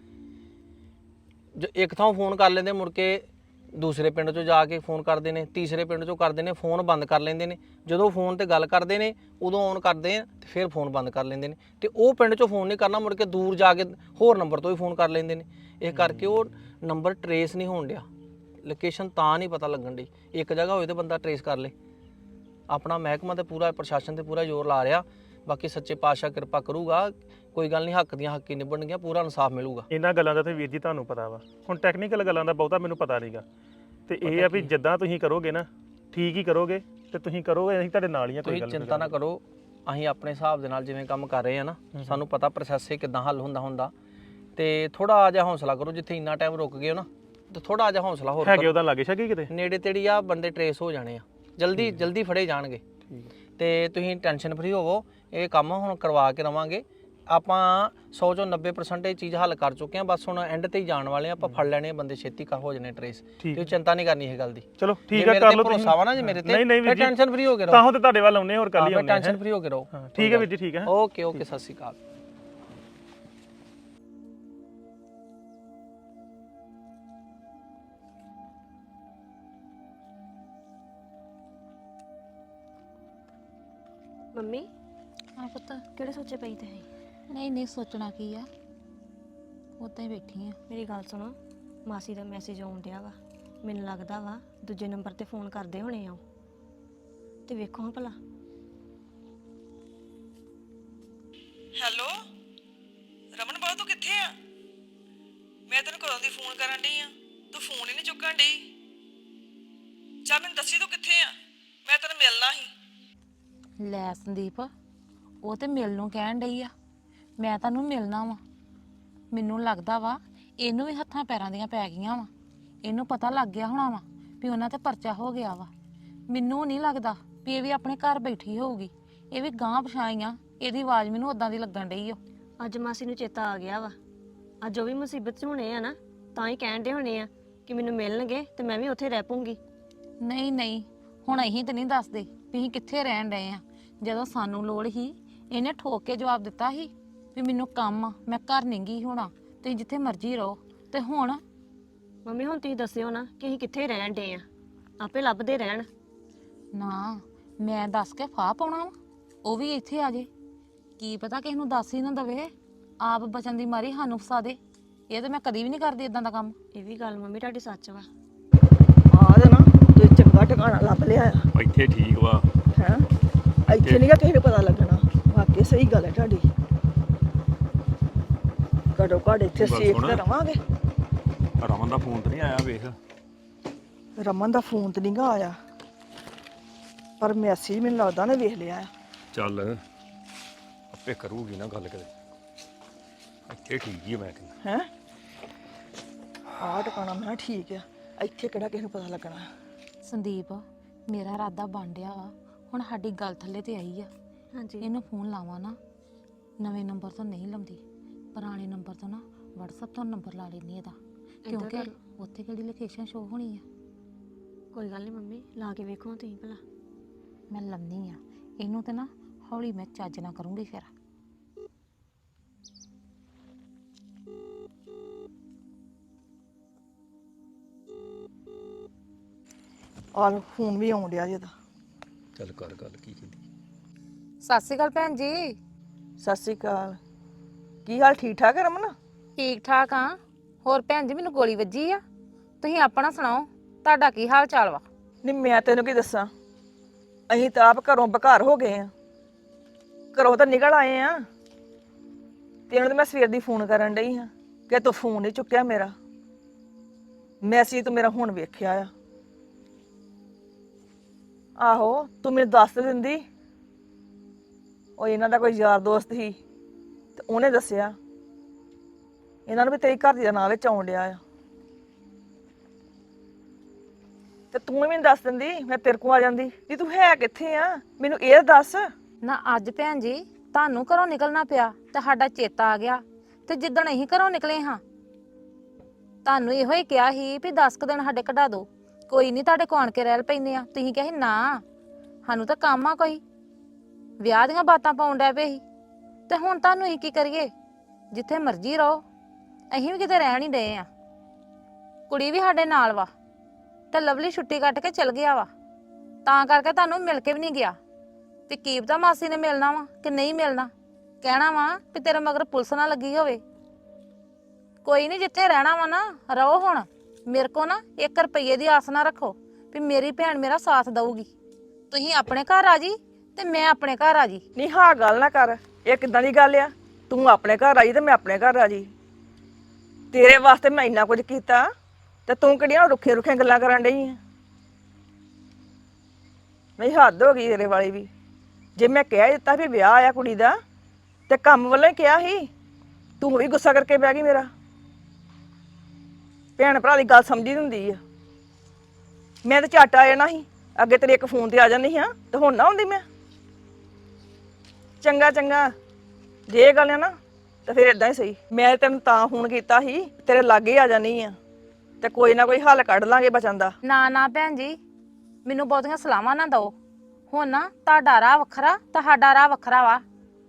S7: ਜੋ ਇੱਕ ਥਾਂ ਫੋਨ ਕਰ ਲੈਂਦੇ, ਮੁੜ ਕੇ ਦੂਸਰੇ ਪਿੰਡ 'ਚੋਂ ਜਾ ਕੇ ਫੋਨ ਕਰਦੇ ਨੇ, ਤੀਸਰੇ ਪਿੰਡ 'ਚੋਂ ਕਰਦੇ ਨੇ, ਫੋਨ ਬੰਦ ਕਰ ਲੈਂਦੇ ਨੇ। ਜਦੋਂ ਫੋਨ ਤੇ ਗੱਲ ਕਰਦੇ ਨੇ ਉਦੋਂ ਔਨ ਕਰਦੇ ਆ ਤੇ ਫਿਰ ਫੋਨ ਬੰਦ ਕਰ ਲੈਂਦੇ ਨੇ। ਤੇ ਉਹ ਪਿੰਡ 'ਚੋਂ ਫੋਨ ਨਹੀਂ ਕਰਨਾ, ਮੁੜ ਕੇ ਦੂਰ ਜਾ ਕੇ ਹੋਰ ਨੰਬਰ ਤੋਂ ਹੀ ਫੋਨ ਕਰ ਲੈਂਦੇ ਨੇ। ਇਹ ਕਰਕੇ ਉਹ ਨੰਬਰ ਟਰੇਸ ਨਹੀਂ ਹੋਣ ਡਿਆ, ਲੋਕੇਸ਼ਨ ਤਾਂ ਨਹੀਂ ਪਤਾ ਲੱਗਣ ਡਈ। ਇੱਕ ਜਗ੍ਹਾ ਹੋਏ ਤੇ ਬੰਦਾ ਟਰੇਸ ਕਰ ਲੇ। ਆਪਣਾ ਮਹਿਕਮਾ ਤੇ ਪੂਰਾ ਪ੍ਰਸ਼ਾਸਨ ਤੇ ਪੂਰਾ ਜ਼ੋਰ ਲਾ ਰਿਹਾ, ਬਾਕੀ ਸੱਚੇ ਪਾਤਸ਼ਾਹ ਕਿਰਪਾ ਕਰੂਗਾ, ਕੋਈ ਗੱਲ ਨਹੀਂ, ਹੱਕ ਦੀਆਂ ਹੱਕੀ ਨਿਭਣਗੀਆਂ, ਪੂਰਾ ਇਨਸਾਫ ਮਿਲੂਗਾ।
S1: ਇਹਨਾਂ ਗੱਲਾਂ ਦਾ ਤੇ ਵੀਰ ਜੀ ਤੁਹਾਨੂੰ ਪਤਾ ਵਾ, ਹੁਣ ਟੈਕਨੀਕਲ ਗੱਲਾਂ ਦਾ ਬਹੁਤਾ ਮੈਨੂੰ ਪਤਾ ਨਹੀਂਗਾ। ਤੇ ਇਹ ਆ ਵੀ ਜਿੱਦਾਂ ਤੁਸੀਂ ਕਰੋਗੇ ਨਾ ਠੀਕ ਹੀ ਕਰੋਗੇ, ਤੇ ਤੁਸੀਂ ਕਰੋਗੇ ਅਸੀਂ ਤੁਹਾਡੇ ਨਾਲ ਹੀ ਆ। ਕੋਈ ਗੱਲ
S7: ਨਹੀਂ, ਚਿੰਤਾ ਨਾ ਕਰੋ, ਅਸੀਂ ਆਪਣੇ ਹਿਸਾਬ ਦੇ ਨਾਲ ਜਿਵੇਂ ਕੰਮ ਕਰ ਰਹੇ ਆ ਨਾ, ਸਾਨੂੰ ਪਤਾ ਪ੍ਰੋਸੈਸ ਕਿੱਦਾਂ ਹੱਲ ਹੁੰਦਾ ਹੁੰਦਾ। ਤੇ ਥੋੜਾ ਜਿਹਾ ਹੌਸਲਾ ਕਰੋ, ਜਿੱਥੇ ਇੰਨਾ ਟਾਈਮ ਰੁਕ ਗਏ ਹੋ ਨਾ, ਤੇ ਥੋੜਾ ਜਿਹਾ ਹੌਸਲਾ ਹੋਰ
S1: ਹੈਗੇ ਉਹਦਾ ਲਾਗੇ ਛਾਗੇ ਕਿਤੇ
S7: ਨੇੜੇ ਤੇੜੀ ਆ ਬੰਦੇ ਟਰੇਸ ਹੋ ਜਾਣੇ ਆ, ਜਲਦੀ ਜਲਦੀ ਫੜੇ ਜਾਣਗੇ। ਤੇ ਤੁਸੀਂ ਟੈਨਸ਼ਨ ਫਰੀ ਹੋਵੋ, ਇਹ ਕੰਮ ਹੁਣ ਕਰਵਾ ਕੇ ਰਵਾਂਗੇ ਆਪਾਂ। ਸੌ ਚੋਂ ਨੱਬੇ ਪਰਸੈਂਟ ਇਹ ਚੀਜ਼ ਹੱਲ ਕਰ ਚੁੱਕੇ ਆ, ਬਸ ਹੁਣ ਐਂਡ ਤੇ ਹੀ ਜਾਣ ਵਾਲੇ ਆ ਆਪਾਂ। ਫੜ ਲੈਣੇ ਬੰਦੇ, ਛੇਤੀ ਕਰ ਹੋ ਜਾਣੇ ਟਰੇਸ, ਤੁਸੀਂ ਚਿੰਤਾ ਨਹੀਂ ਕਰਨੀ ਇਹ ਗੱਲ ਦੀ।
S1: ਚਲੋ ਠੀਕ ਆ, ਕਰ ਲਓ
S7: ਭਰੋਸਾ ਵਾ ਨਾ ਜੇ ਮੇਰੇ ਤੇ,
S1: ਨਹੀਂ ਨਹੀਂ ਵੀਰ ਜੀ,
S7: ਟੈਨਸ਼ਨ ਫਰੀ ਹੋ ਕੇ ਰਹੋ।
S1: ਤਾਂ ਤੇ ਤੁਹਾਡੇ ਵੱਲ ਆਉਨੇ ਹੋਰ ਕੱਲ ਹੀ ਆਉਨੇ,
S7: ਟੈਨਸ਼ਨ ਫਰੀ ਹੋ ਕੇ ਰਹੋ।
S1: ਠੀਕ ਹੈ ਵੀਰ ਜੀ, ਠੀਕ ਹੈ,
S7: ਓਕੇ ਓਕੇ, ਸਤਿ ਸ਼੍ਰੀ ਅਕਾਲ।
S8: ਮੰਮੀ
S6: ਹਾਂ ਪੁੱਤ।
S8: ਕਿਹੜੇ ਸੋਚੇ ਪਈ ਤੇ
S6: ਨਹੀਂ ਨਹੀਂ ਸੋਚਣਾ ਕੀ ਆ, ਉੱਦਾਂ ਹੀ ਬੈਠੀ ਆ।
S8: ਮੇਰੀ ਗੱਲ ਸੁਣੋ, ਮਾਸੀ ਦਾ ਮੈਸੇਜ ਆਉਣ ਡਿਆ ਵਾ। ਮੈਨੂੰ ਲੱਗਦਾ ਵਾ ਦੂਜੇ ਨੰਬਰ ਤੇ ਫੋਨ ਕਰਦੇ ਹੋਣੇ ਆ ਉਹ। ਤੇ ਵੇਖੋ ਹਾਂ ਭਲਾ।
S3: ਹੈਲੋ ਰਮਨ ਬਾਬੂ ਤੂੰ ਕਿੱਥੇ ਆ? ਮੈਂ ਤੈਨੂੰ ਕਦੋਂ ਦੀ ਫੋਨ ਕਰਨ ਡਈ ਆ, ਤੂੰ ਫੋਨ ਹੀ ਨਹੀਂ ਚੁੱਕਣ ਡਈ। ਚੱਲ ਮੈਨੂੰ ਦੱਸੀ ਤੂੰ ਕਿੱਥੇ ਆ, ਮੈਂ ਤੈਨੂੰ ਮਿਲਣਾ ਸੀ।
S6: ਲੈ ਸੰਦੀਪ, ਉਹ ਤੇ ਮਿਲਣ ਨੂੰ ਕਹਿਣ ਡਈ ਆ, ਮੈਂ ਤੁਹਾਨੂੰ ਮਿਲਣਾ ਵਾ। ਮੈਨੂੰ ਲੱਗਦਾ ਵਾ ਇਹਨੂੰ ਵੀ ਹੱਥਾਂ ਪੈਰਾਂ ਦੀਆਂ ਪੈ ਗਈਆਂ ਵਾ। ਇਹਨੂੰ ਪਤਾ ਲੱਗ ਗਿਆ ਹੋਣਾ ਵਾ ਵੀ ਉਹਨਾਂ ਤੇ ਪਰਚਾ ਹੋ ਗਿਆ ਵਾ। ਮੈਨੂੰ ਨਹੀਂ ਲੱਗਦਾ ਵੀ ਇਹ ਵੀ ਆਪਣੇ ਘਰ ਬੈਠੀ ਹੋਊਗੀ। ਇਹ ਵੀ ਗਾਂਹ ਪਛਾਈਆਂ, ਇਹਦੀ ਆਵਾਜ਼ ਮੈਨੂੰ ਉਦਾਂ ਦੀ ਲੱਗਣ ਡਈ ਓ।
S8: ਅੱਜ ਮਾਸੀ ਨੂੰ ਚੇਤਾ ਆ ਗਿਆ ਵਾ। ਅੱਜ ਉਹ ਵੀ ਮੁਸੀਬਤ 'ਚ ਹੋਣੇ ਆ ਨਾ, ਤਾਂ ਹੀ ਕਹਿਣ ਡੇ ਹੋਣੇ ਆ ਕਿ ਮੈਨੂੰ ਮਿਲਣਗੇ ਤੇ ਮੈਂ ਵੀ ਉੱਥੇ ਰਹਿ ਪਊਂਗੀ।
S6: ਨਹੀਂ ਨਹੀਂ, ਹੁਣ ਅਸੀਂ ਤੇ ਨਹੀਂ ਦੱਸਦੇ ਵੀ ਅਸੀਂ ਕਿੱਥੇ ਰਹਿਣ ਡਏ ਆ। ਜਦੋਂ ਸਾਨੂੰ ਲੋੜ ਸੀ ਇਹਨੇ ਠੋਕ ਕੇ ਜਵਾਬ ਦਿੱਤਾ ਸੀ ਵੀ ਮੈਨੂੰ ਕੰਮ ਆ, ਮੈਂ ਘਰ ਨਹੀਂ ਗਈ ਹੋਣਾ, ਤੁਸੀਂ ਜਿੱਥੇ ਮਰਜ਼ੀ ਰਹੋ। ਤੇ ਹੁਣ
S8: ਮੰਮੀ ਹੁਣ ਤੁਸੀਂ ਦੱਸਿਓ ਨਾ ਕਿ ਅਸੀਂ ਕਿੱਥੇ ਰਹਿਣ ਡੇ ਆ, ਆਪੇ ਲੱਭਦੇ ਰਹਿਣ।
S6: ਨਾ, ਮੈਂ ਦੱਸ ਕੇ ਫਾਹ ਪਾਉਣਾ ਵਾ, ਉਹ ਵੀ ਇੱਥੇ ਆ ਜੇ। ਕੀ ਪਤਾ ਕਿਸ ਨੂੰ ਦੱਸ ਹੀ ਨਾ ਦਵੇ, ਆਪ ਬਚਣ ਦੀ ਮਾਰੀ ਸਾਨੂੰ ਫਸਾ ਦੇ। ਇਹ ਤੇ ਮੈਂ ਕਦੀ ਵੀ ਨਹੀਂ ਕਰਦੀ ਇਦਾਂ ਦਾ ਕੰਮ।
S8: ਇਹ ਵੀ ਗੱਲ ਮੰਮੀ ਤੁਹਾਡੀ ਸੱਚ ਵਾ।
S3: ਆ ਦੇ ਨਾ ਤੇ ਚੰਗਾ ਟਿਕਾਣਾ ਲੱਭ ਲਿਆ ਆ
S2: ਇੱਥੇ ਠੀਕ ਵਾ।
S3: ਹੈ। ਇੱਥੇ ਨਹੀਂ ਗਾ ਕਿਸੇ ਨੂੰ ਪਤਾ ਲੱਗਣਾ। ਵਾਕਈ ਸਹੀ ਗੱਲ ਹੈ ਤੁਹਾਡੀ। ਘੜੋ ਘੜ ਇੱਥੇ
S2: ਗੱਲ
S3: ਸੇਫ
S2: ਸੁਣ।
S3: ਤੇ ਰਵਾਂਗੇ।
S2: ਰਮਨ ਦਾ ਫੋਨ ਤੇ ਨਹੀਂ ਆਇਆ ਵੇਖ।
S3: ਰਮਨ ਦਾ ਫੋਨ ਤੇ ਨਹੀਂਗਾ ਆਇਆ, ਪਰ ਮੈਸੇਜ ਮੈਨੂੰ ਲੱਗਦਾ ਨੇ ਵੇਖ ਲਿਆ ਆ।
S2: ਚੱਲ ਆਪੇ ਕਰੂਗੀ ਨਾ ਗੱਲ ਕਦੇ। ਇੱਥੇ ਠੀਕ ਹੀ ਆ ਮੈਂ ਕਹਿੰਦਾ।
S3: ਹੈ ਆਹ ਟਿਕਾਣਾ ਮੈਂ ਕਿਹਾ ਠੀਕ ਆ, ਇੱਥੇ ਕਿਹੜਾ ਕਿਸੇ ਨੂੰ ਪਤਾ ਲੱਗਣਾ।
S6: ਸੰਦੀਪ, ਮੇਰਾ ਇਰਾਦਾ ਬਣ ਡਿਆ ਵਾ, ਹੁਣ ਸਾਡੀ ਗੱਲ ਥੱਲੇ ਤੇ ਆਈ ਆ।
S8: ਹਾਂਜੀ
S6: ਇਹਨੂੰ ਫੋਨ ਲਾਵਾਂ ਨਾ, ਨਵੇਂ ਨੰਬਰ ਤੋਂ ਨਹੀਂ ਲਾਉਂਦੀ, ਪੁਰਾਣੇ ਨੰਬਰ ਤੋਂ ਨਾ WhatsApp ਤੋਂ ਨੰਬਰ ਲਾ ਲੈਣੀ ਇਹਦਾ, ਕਿਉਂਕਿ
S8: ਕਰ
S6: ਉੱਥੇ ਕਿਹੜੀ ਲੋਕੇਸ਼ਨ ਸ਼ੋ ਹੋਣੀ ਆ।
S8: ਕੋਈ ਗੱਲ ਨਹੀਂ ਮੰਮੀ, ਲਾ ਕੇ ਵੇਖੋ ਤੁਸੀਂ ਭਲਾ।
S6: ਮੈਂ ਲੰਮੀ ਆ ਇਹਨੂੰ ਤੇ ਨਾ ਹੌਲੀ ਮੈਂ ਚੱਜ ਨਾ ਕਰੂੰਗੀ ਫਿਰ।
S3: ਆਹ ਫੋਨ ਵੀ ਆਉਣ ਡਿਆ ਜੀ ਇਹਦਾ।
S2: ਚੱਲ ਕਰ ਗੱਲ ਕੀ ਕਹਿੰਦੀ।
S6: ਸਤਿ ਸ਼੍ਰੀ ਅਕਾਲ ਭੈਣ ਜੀ।
S3: ਸਤਿ ਸ਼੍ਰੀ ਅਕਾਲ। ਕੀ ਹਾਲ, ਠੀਕ ਠਾਕ ਹੈ ਰਮਨ?
S6: ਠੀਕ ਠਾਕ ਆ। ਹੋਰ ਭੈਣ ਜੀ, ਮੈਨੂੰ ਗੋਲੀ ਵੱਜੀ ਆ, ਤੁਸੀਂ ਆਪਣਾ ਸੁਣਾਓ, ਤੁਹਾਡਾ ਕੀ ਹਾਲ ਚਾਲ ਵਾ?
S3: ਨਹੀਂ ਮੈਂ ਤੈਨੂੰ ਕੀ ਦੱਸਾਂ, ਅਸੀਂ ਤਾਂ ਆਪ ਘਰੋਂ ਬਘਾਰ ਹੋ ਗਏ ਆ। ਘਰੋਂ ਤਾਂ ਨਿਕਲ ਆਏ ਆ, ਤੈਨੂੰ ਤਾਂ ਮੈਂ ਸਵੇਰ ਦੀ ਫੋਨ ਕਰਨ ਡਈ ਹਾਂ ਕਿ ਤੂੰ ਫੋਨ ਨਹੀਂ ਚੁੱਕਿਆ ਮੇਰਾ। ਮੈਸੇਜ ਤੂੰ ਮੇਰਾ ਹੁਣ ਵੇਖਿਆ ਆ। ਆਹੋ ਤੂੰ ਮੈਨੂੰ ਦੱਸ ਦਿੰਦੀ। ਉਹ ਇਹਨਾਂ ਦਾ ਕੋਈ ਯਾਰ ਦੋਸਤ ਸੀ ਤੇ ਉਹਨੇ ਦੱਸਿਆ ਇਹਨਾਂ ਨੂੰ ਵੀ ਤੇਰੀ ਘਰ ਦੀ ਦਾ ਨਾਂ ਵਿੱਚ ਆਉਣ ਡਿਆ ਆ, ਤੇ ਤੂੰ ਵੀ ਮੈਨੂੰ ਦੱਸ ਦਿੰਦੀ, ਮੈਂ ਤੇਰੇ ਕੋਲ ਆ ਜਾਂਦੀ। ਵੀ ਤੂੰ ਹੈ ਕਿੱਥੇ ਆ, ਮੈਨੂੰ ਇਹ ਦੱਸ।
S6: ਨਾ ਅੱਜ ਭੈਣ ਜੀ ਤੁਹਾਨੂੰ ਘਰੋਂ ਨਿਕਲਣਾ ਪਿਆ ਤੇ ਸਾਡਾ ਚੇਤਾ ਆ ਗਿਆ, ਤੇ ਜਿੱਦਣ ਅਸੀਂ ਘਰੋਂ ਨਿਕਲੇ ਹਾਂ ਤੁਹਾਨੂੰ ਇਹੋ ਹੀ ਕਿਹਾ ਸੀ ਵੀ ਦਸ ਕੁ ਦਿਨ ਸਾਡੇ ਕਢਾ ਦਿਓ, ਕੋਈ ਨਹੀਂ ਤੁਹਾਡੇ ਕੋਲ ਆਣ ਕੇ ਰਹਿ ਪੈਂਦੇ ਆ। ਤੁਸੀਂ ਕਿਹਾ ਸੀ ਨਾ ਸਾਨੂੰ ਤਾਂ ਕੰਮ ਆ ਕੋਈ, ਵਿਆਹ ਦੀਆਂ ਬਾਤਾਂ ਪਾਉਣ ਡੈ ਪਏ ਸੀ। ਤੇ ਹੁਣ ਤੁਹਾਨੂੰ ਅਸੀਂ ਕੀ ਕਰੀਏ, ਜਿੱਥੇ ਮਰਜ਼ੀ ਰਹੋ, ਅਸੀਂ ਵੀ ਕਿਤੇ ਰਹਿਣ ਹੀ ਡਏ ਆ। ਕੁੜੀ ਵੀ ਸਾਡੇ ਨਾਲ ਵਾ ਤੇ ਲਵਲੀ ਛੁੱਟੀ ਕੱਟ ਕੇ ਚਲ ਗਿਆ ਵਾ, ਤਾਂ ਕਰਕੇ ਤੁਹਾਨੂੰ ਮਿਲ ਕੇ ਵੀ ਨਹੀਂ ਗਿਆ। ਤੇ ਕੀ ਪਤਾ ਮਾਸੀ ਨੇ ਮਿਲਣਾ ਵਾ ਕਿ ਨਹੀਂ ਮਿਲਣਾ, ਕਹਿਣਾ ਵਾ ਵੀ ਤੇਰੇ ਮਗਰ ਪੁਲਿਸ ਨਾ ਲੱਗੀ ਹੋਵੇ। ਕੋਈ ਨਹੀਂ, ਜਿੱਥੇ ਰਹਿਣਾ ਵਾ ਨਾ ਰਹੋ। ਹੁਣ ਮੇਰੇ ਕੋ ਨਾ ਇੱਕ ਰੁਪਈਏ ਦੀ ਆਸ ਨਾ ਰੱਖੋ ਵੀ ਮੇਰੀ ਭੈਣ ਮੇਰਾ ਸਾਥ ਦਊਗੀ। ਤੁਸੀਂ ਆਪਣੇ ਘਰ ਆ ਜੀ ਤੇ ਮੈਂ ਆਪਣੇ ਘਰ ਆ ਜੀ।
S3: ਨਹੀਂ ਹਾਂ ਗੱਲ ਨਾ ਕਰ, ਇਹ ਕਿੱਦਾਂ ਦੀ ਗੱਲ ਆ? ਤੂੰ ਆਪਣੇ ਘਰ ਆਈ ਤੇ ਮੈਂ ਆਪਣੇ ਘਰ ਆ ਜੀ। ਤੇਰੇ ਵਾਸਤੇ ਮੈਂ ਇੰਨਾ ਕੁਝ ਕੀਤਾ ਤੇ ਤੂੰ ਕਿਹੜੀਆਂ ਰੁੱਖੇ ਰੁੱਖੀਆਂ ਗੱਲਾਂ ਕਰਨ ਡਈ ਆ? ਨਹੀਂ ਹੱਦ ਹੋ ਗਈ ਤੇਰੇ ਵਾਲੀ ਵੀ। ਜੇ ਮੈਂ ਕਹਿ ਦਿੱਤਾ ਵੀ ਵਿਆਹ ਆ ਕੁੜੀ ਦਾ ਤੇ ਕੰਮ ਵੱਲੋਂ ਹੀ ਕਿਹਾ ਸੀ, ਤੂੰ ਵੀ ਗੁੱਸਾ ਕਰਕੇ ਬਹਿ ਗਈ ਮੇਰਾ। ਭੈਣ ਭਰਾ ਦੀ ਗੱਲ ਸਮਝੀ ਹੁੰਦੀ ਆ। ਮੈਂ ਤਾਂ ਝੱਟ ਆ ਜਾਣਾ ਸੀ, ਅੱਗੇ ਤੇਰੇ ਇੱਕ ਫੋਨ ਤੇ ਆ ਜਾਂਦੀ ਹਾਂ ਤੇ ਹੁਣ ਨਾ ਆਉਂਦੀ ਮੈਂ। ਚੰਗਾ ਚੰਗਾ, ਜੇ ਇਹ ਗੱਲ ਆ ਨਾ ਤਾਂ ਫਿਰ ਇਦਾਂ ਹੀ ਸਹੀ। ਮੈਂ ਤੈਨੂੰ ਤਾਂ ਫੋਨ ਕੀਤਾ ਸੀ ਤੇਰੇ ਲਾਗੇ ਆ ਜਾਣੀ ਆ ਤੇ ਕੋਈ ਨਾ ਕੋਈ ਹੱਲ ਕੱਢ ਲਾਂਗੇ ਬਚਣ ਦਾ।
S6: ਨਾ ਨਾ ਭੈਣ ਜੀ, ਮੈਨੂੰ ਬਹੁਤੀਆਂ ਸਲਾਹਾਂ ਨਾ ਦਿਓ। ਹੁਣ ਨਾ ਤੁਹਾਡਾ ਰਾਹ ਵੱਖਰਾ, ਤੁਹਾਡਾ ਰਾਹ ਵੱਖਰਾ ਵਾ।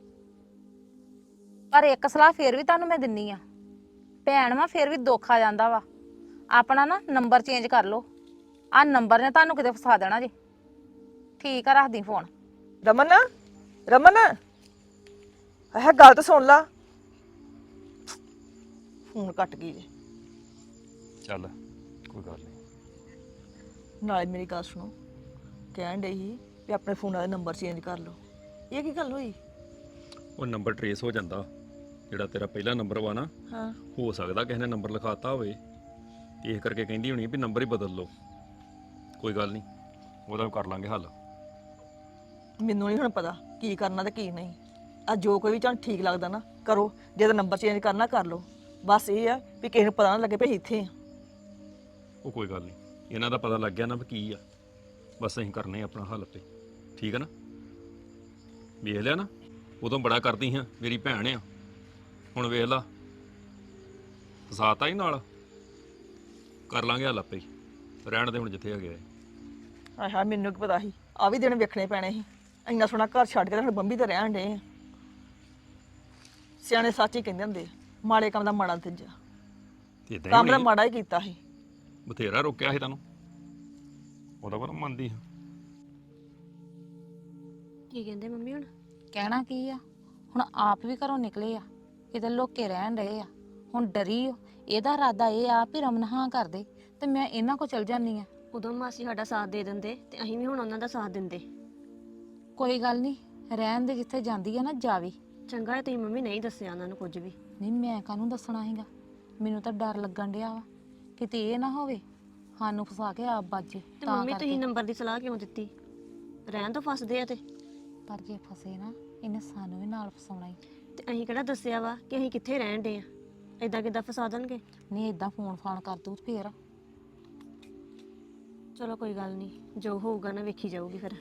S6: ਪਰ ਇੱਕ ਸਲਾਹ ਫੇਰ ਵੀ ਤੁਹਾਨੂੰ ਮੈਂ ਦਿੰਨੀ ਆ, ਭੈਣ ਵਾ ਫੇਰ ਵੀ ਦੁੱਖ ਆ ਜਾਂਦਾ ਵਾ। ਆਪਣਾ ਨਾ ਨੰਬਰ ਚੇਂਜ ਕਰ ਲਓ, ਆਹ ਨੰਬਰ ਨੇ ਤੁਹਾਨੂੰ ਕਿਤੇ ਫਸਾ ਦੇਣਾ ਜੇ। ਠੀਕ ਆ, ਰੱਖਦੀ ਫੋਨ।
S3: ਰਮਨ ਰਮਨ, ਇਹ ਗੱਲ ਤਾਂ ਸੁਣ ਲਾ। ਫੋਨ ਕੱਟ ਗਈ ਜੇ।
S2: ਚੱਲ ਕੋਈ ਗੱਲ ਨਹੀਂ।
S3: ਨਾਲੇ ਮੇਰੀ ਗੱਲ ਸੁਣੋ, ਕਹਿਣ ਡਈ ਸੀ ਵੀ ਆਪਣੇ ਫੋਨਾਂ ਦੇ ਨੰਬਰ ਚੇਂਜ ਕਰ ਲਓ। ਇਹ ਕੀ ਗੱਲ ਹੋਈ?
S2: ਉਹ ਨੰਬਰ ਟਰੇਸ ਹੋ ਜਾਂਦਾ, ਜਿਹੜਾ ਤੇਰਾ ਪਹਿਲਾ ਨੰਬਰ ਵਾ ਨਾ,
S3: ਹਾਂ
S2: ਹੋ ਸਕਦਾ ਕਿਸੇ ਨੇ ਨੰਬਰ ਲਿਖਾਤਾ ਹੋਵੇ, ਇਸ ਕਰਕੇ ਕਹਿੰਦੀ ਹੋਣੀ ਵੀ ਨੰਬਰ ਹੀ ਬਦਲ ਲਓ। ਕੋਈ ਗੱਲ ਨਹੀਂ, ਉਹਦਾ ਕਰ ਲਾਂਗੇ ਹੱਲ।
S3: ਮੈਨੂੰ ਨਹੀਂ ਹੁਣ ਪਤਾ ਕੀ ਕਰਨਾ ਤੇ ਕੀ ਨਹੀਂ। ਆ ਜੋ ਕੋਈ ਵੀ ਤੁਹਾਨੂੰ ਠੀਕ ਲੱਗਦਾ ਨਾ ਕਰੋ, ਜੇ ਤਾਂ ਨੰਬਰ ਚੇਂਜ ਕਰਨਾ ਕਰ ਲਓ। ਬਸ ਇਹ ਆ ਵੀ ਕਿਸੇ ਨੂੰ ਪਤਾ ਨਾ ਲੱਗੇ ਵੀ ਅਸੀਂ ਇੱਥੇ ਆ।
S2: ਉਹ ਕੋਈ ਗੱਲ ਨਹੀਂ, ਇਹਨਾਂ ਦਾ ਪਤਾ ਲੱਗ ਗਿਆ ਨਾ ਵੀ ਕੀ ਆ, ਬਸ ਅਸੀਂ ਕਰਨੇ ਆ ਆਪਣਾ ਹੱਲ ਤੇ। ਠੀਕ ਹੈ ਨਾ? ਵੇਖ ਲਿਆ ਨਾ, ਉਦੋਂ ਬੜਾ ਕਰਦੀ ਹਾਂ ਮੇਰੀ ਭੈਣ ਆ, ਹੁਣ ਵੇਖ ਲਾ ਫਸਾਤਾ ਹੀ ਨਾਲ। ਕਰ ਲਾਂਗੇ ਹੱਲ ਆਪੇ ਹੀ, ਰਹਿਣ ਦੇ ਹੁਣ ਜਿੱਥੇ ਹੈਗੇ ਆ।
S3: ਹਾਏ ਹਾਏ, ਮੈਨੂੰ ਕੀ ਪਤਾ ਸੀ ਆ ਵੀ ਦਿਨ ਵੇਖਣੇ ਪੈਣੇ ਸੀ। ਇੰਨਾ ਸੋਹਣਾ ਘਰ ਛੱਡ ਕੇ ਤਾਂ ਹੁਣ ਬੰਬੀ ਤੇ ਰਹਿਣ ਡੇ ਆ। ਸਿਆਣੇ ਸੱਚ ਹੀ ਕਹਿੰਦੇ ਹੁੰਦੇ ਆ, ਮਾੜੇ ਕੰਮ ਦਾ ਮਾੜਾ ਨਤੀਜਾ।
S2: ਤੇ ਇਦਾਂ
S3: ਕੰਮ
S2: ਹੀ
S3: ਦਾ
S2: ਹੋਣੀ,
S3: ਮਾੜਾ ਹੀ ਕੀਤਾ ਸੀ।
S2: ਬਥੇਰਾ ਰੋਕਿਆ ਸੀ ਤੈਨੂੰ, ਉਹਦਾ ਪਰ ਮੰਨਦੀ ਹਾਂ।
S8: ਕੀ ਕਹਿੰਦੇ ਮੰਮੀ ਹੁਣ?
S6: ਕਹਿਣਾ ਕੀ ਆ, ਹੁਣ ਆਪ ਵੀ ਘਰੋਂ ਨਿਕਲੇ ਆ, ਕਿਤੇ ਲੋਕੇ ਰਹਿਣ ਰਹੇ ਆ, ਹੁਣ ਡਰੀ ਓ। ਇਹਦਾ ਇਰਾਦਾ ਇਹ ਆ ਵੀ ਰਮਨ ਹਾਂ ਕਰ ਦੇ ਤੇ ਮੈਂ ਇਹਨਾਂ ਕੋ ਚਲ ਜਾਂਦੀ ਆ।
S8: ਉਦੋਂ ਮਾਸੀ ਸਾਡਾ ਸਾਥ ਦੇ ਦਿੰਦੇ ਤੇ ਅਸੀਂ ਵੀ ਹੁਣ ਉਹਨਾਂ ਦਾ ਸਾਥ ਦਿੰਦੇ।
S6: ਕੋਈ ਗੱਲ ਨਹੀਂ, ਰਹਿਣ ਦੇ, ਜਿੱਥੇ ਜਾਂਦੀ ਆ ਨਾ ਜਾਵੇ।
S8: ਚੰਗਾ ਹੈ ਤੁਸੀਂ ਮੰਮੀ ਨਹੀਂ ਦੱਸਿਆ ਉਹਨਾਂ ਨੂੰ ਕੁਝ ਵੀ।
S6: ਨਹੀਂ ਮੈਂ ਕਾਹਨੂੰ ਦੱਸਣਾ ਹੈਗਾ, ਮੈਨੂੰ ਤਾਂ ਡਰ ਲੱਗਣ ਡਿਆ ਵਾ ਕਿਤੇ ਇਹ ਨਾ ਹੋਵੇ ਸਾਨੂੰ ਫਸਾ ਕੇ ਆਪ ਬਾਜੇ।
S8: ਤੇ ਮੰਮੀ ਤੁਸੀਂ ਨੰਬਰ ਦੀ ਸਲਾਹ ਕਿਉਂ ਦਿੱਤੀ? ਰਹਿਣ ਤੋਂ ਫਸਦੇ ਆ ਤੇ
S6: ਪਰ ਜੇ ਫਸੇ ਨਾ ਇਹਨੇ ਸਾਨੂੰ ਵੀ ਨਾਲ ਫਸਾਉਣਾ ਹੀ।
S8: ਤੇ ਅਸੀਂ ਕਿਹੜਾ ਦੱਸਿਆ ਵਾ ਕਿ ਅਸੀਂ ਕਿੱਥੇ ਰਹਿਣ ਦੇ ਆ? ਏਦਾਂ ਕਿੱਦਾਂ ਫਸਾ ਦੇਣਗੇ?
S6: ਨਹੀਂ ਏਦਾਂ ਫੋਨ ਫਾਨ ਕਰ ਦੂ ਫੇਰ।
S8: ਚਲੋ ਕੋਈ ਗੱਲ ਨਹੀਂ, ਜੋ ਹੋਊਗਾ ਨਾ ਵੇਖੀ ਜਾਊਗੀ ਫਿਰ।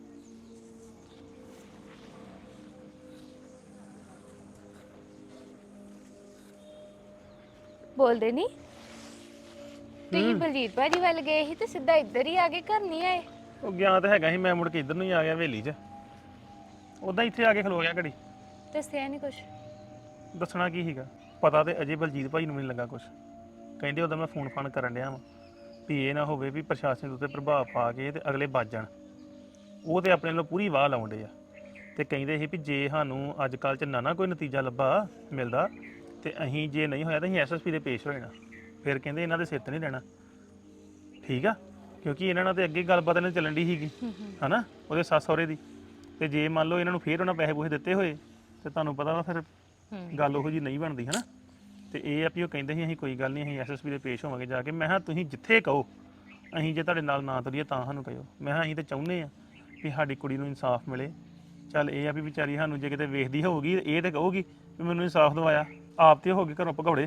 S9: ਬੋਲਦੇ ਨਹੀਂ ਤੁਸੀਂ ਬਲਜੀਤ ਭਾਜੀ ਵੱਲ ਗਏ ਸੀ ਤੇ ਸਿੱਧਾ ਇੱਧਰ ਹੀ ਆ ਗਏ, ਘਰ ਨਹੀਂ ਆਏ?
S1: ਉਹ ਗਿਆ ਤਾਂ ਹੈਗਾ ਸੀ, ਮੈਂ ਮੁੜ ਕੇ ਇੱਧਰ ਨੂੰ ਹੀ ਆ ਗਿਆ ਹਵੇਲੀ 'ਚ। ਉਦਾਂ ਇੱਥੇ ਆ ਕੇ ਖਲੋ ਗਿਆ ਘੜੀ।
S9: ਦੱਸਿਆ ਨਹੀਂ ਕੁਛ?
S1: ਦੱਸਣਾ ਕੀ ਸੀਗਾ, ਪਤਾ ਤੇ ਅਜੇ ਬਲਜੀਤ ਭਾਈ ਨੂੰ ਵੀ ਨਹੀਂ ਲੱਗਾ ਕੁਛ। ਕਹਿੰਦੇ ਉਦੋਂ ਮੈਂ ਫੋਨ ਫਾਨ ਕਰਨ ਡਿਆ ਵਾਂ ਵੀ ਇਹ ਨਾ ਹੋਵੇ ਵੀ ਪ੍ਰਸ਼ਾਸਨ ਦੇ ਉੱਤੇ ਪ੍ਰਭਾਵ ਪਾ ਕੇ ਤੇ ਅਗਲੇ ਵੱਜ ਜਾਣ। ਉਹ ਤੇ ਆਪਣੇ ਵੱਲੋਂ ਪੂਰੀ ਵਾਹ ਲਾਉਂਦੇ ਆ ਤੇ ਕਹਿੰਦੇ ਸੀ ਵੀ ਜੇ ਸਾਨੂੰ ਅੱਜ ਕੱਲ੍ਹ 'ਚ ਨਾ ਨਾ ਕੋਈ ਨਤੀਜਾ ਲੱਭਾ ਮਿਲਦਾ ਤੇ ਅਸੀਂ ਜੇ ਨਹੀਂ ਹੋਇਆ ਤਾਂ ਅਸੀਂ ਐਸ ਐਸ ਪੀ ਦੇ ਪੇਸ਼ ਹੋ ਜਾਣਾ। ਫਿਰ ਕਹਿੰਦੇ ਇਹਨਾਂ ਦੇ ਸਿਰ ਤੇ ਨਹੀਂ ਰਹਿਣਾ। ਠੀਕ ਆ, ਕਿਉਂਕਿ ਇਹਨਾਂ ਨਾਲ ਤੇ ਅੱਗੇ ਗੱਲਬਾਤ ਇਹਨਾਂ ਚੱਲਣ ਦੀ ਸੀਗੀ ਹਨਾ, ਉਹਦੇ ਸੱਸ ਸਹੁਰੇ ਦੀ। ਤੇ ਜੇ ਮੰਨ ਲਓ ਇਹਨਾਂ ਨੂੰ ਫੇਰ ਉਹਨਾਂ ਪੈਸੇ ਪੂਸੇ ਦਿੱਤੇ ਹੋਏ ਤੇ ਤੁਹਾਨੂੰ ਪਤਾ ਵਾ ਫਿਰ ਗੱਲ ਉਹੋ ਜੀ ਨਹੀਂ ਬਣਦੀ ਹਨਾ। ਤੇ ਇਹ ਆ ਵੀ ਉਹ ਕਹਿੰਦੇ ਸੀ ਅਸੀਂ ਕੋਈ ਗੱਲ ਨਹੀਂ, ਅਸੀਂ ਐਸ ਐਸ ਪੀ ਦੇ ਪੇਸ਼ ਹੋਵਾਂਗੇ ਜਾ ਕੇ। ਮੈਂ ਕਿਹਾ ਤੁਸੀਂ ਜਿੱਥੇ ਕਹੋ, ਅਸੀਂ ਜੇ ਤੁਹਾਡੇ ਨਾਲ ਨਾ ਤੁਰੀਏ ਤਾਂ ਸਾਨੂੰ ਕਹਿਓ। ਮੈਂ ਕਿਹਾ ਅਸੀਂ ਤਾਂ ਚਾਹੁੰਦੇ ਆ ਵੀ ਸਾਡੀ ਕੁੜੀ ਨੂੰ ਇਨਸਾਫ ਮਿਲੇ। ਚੱਲ ਇਹ ਆ ਵੀ ਵਿਚਾਰੀ ਸਾਨੂੰ ਜੇ ਕਿਤੇ ਵੇਖਦੀ ਹੋਊਗੀ ਇਹ ਤੇ ਕਹੂਗੀ ਵੀ ਮੈਨੂੰ ਇਨਸਾਫ ਦਵਾਇਆ, ਆਪ ਤੇ ਹੋ ਗਏ ਘਰੋਂ ਭਗੌੜੇ।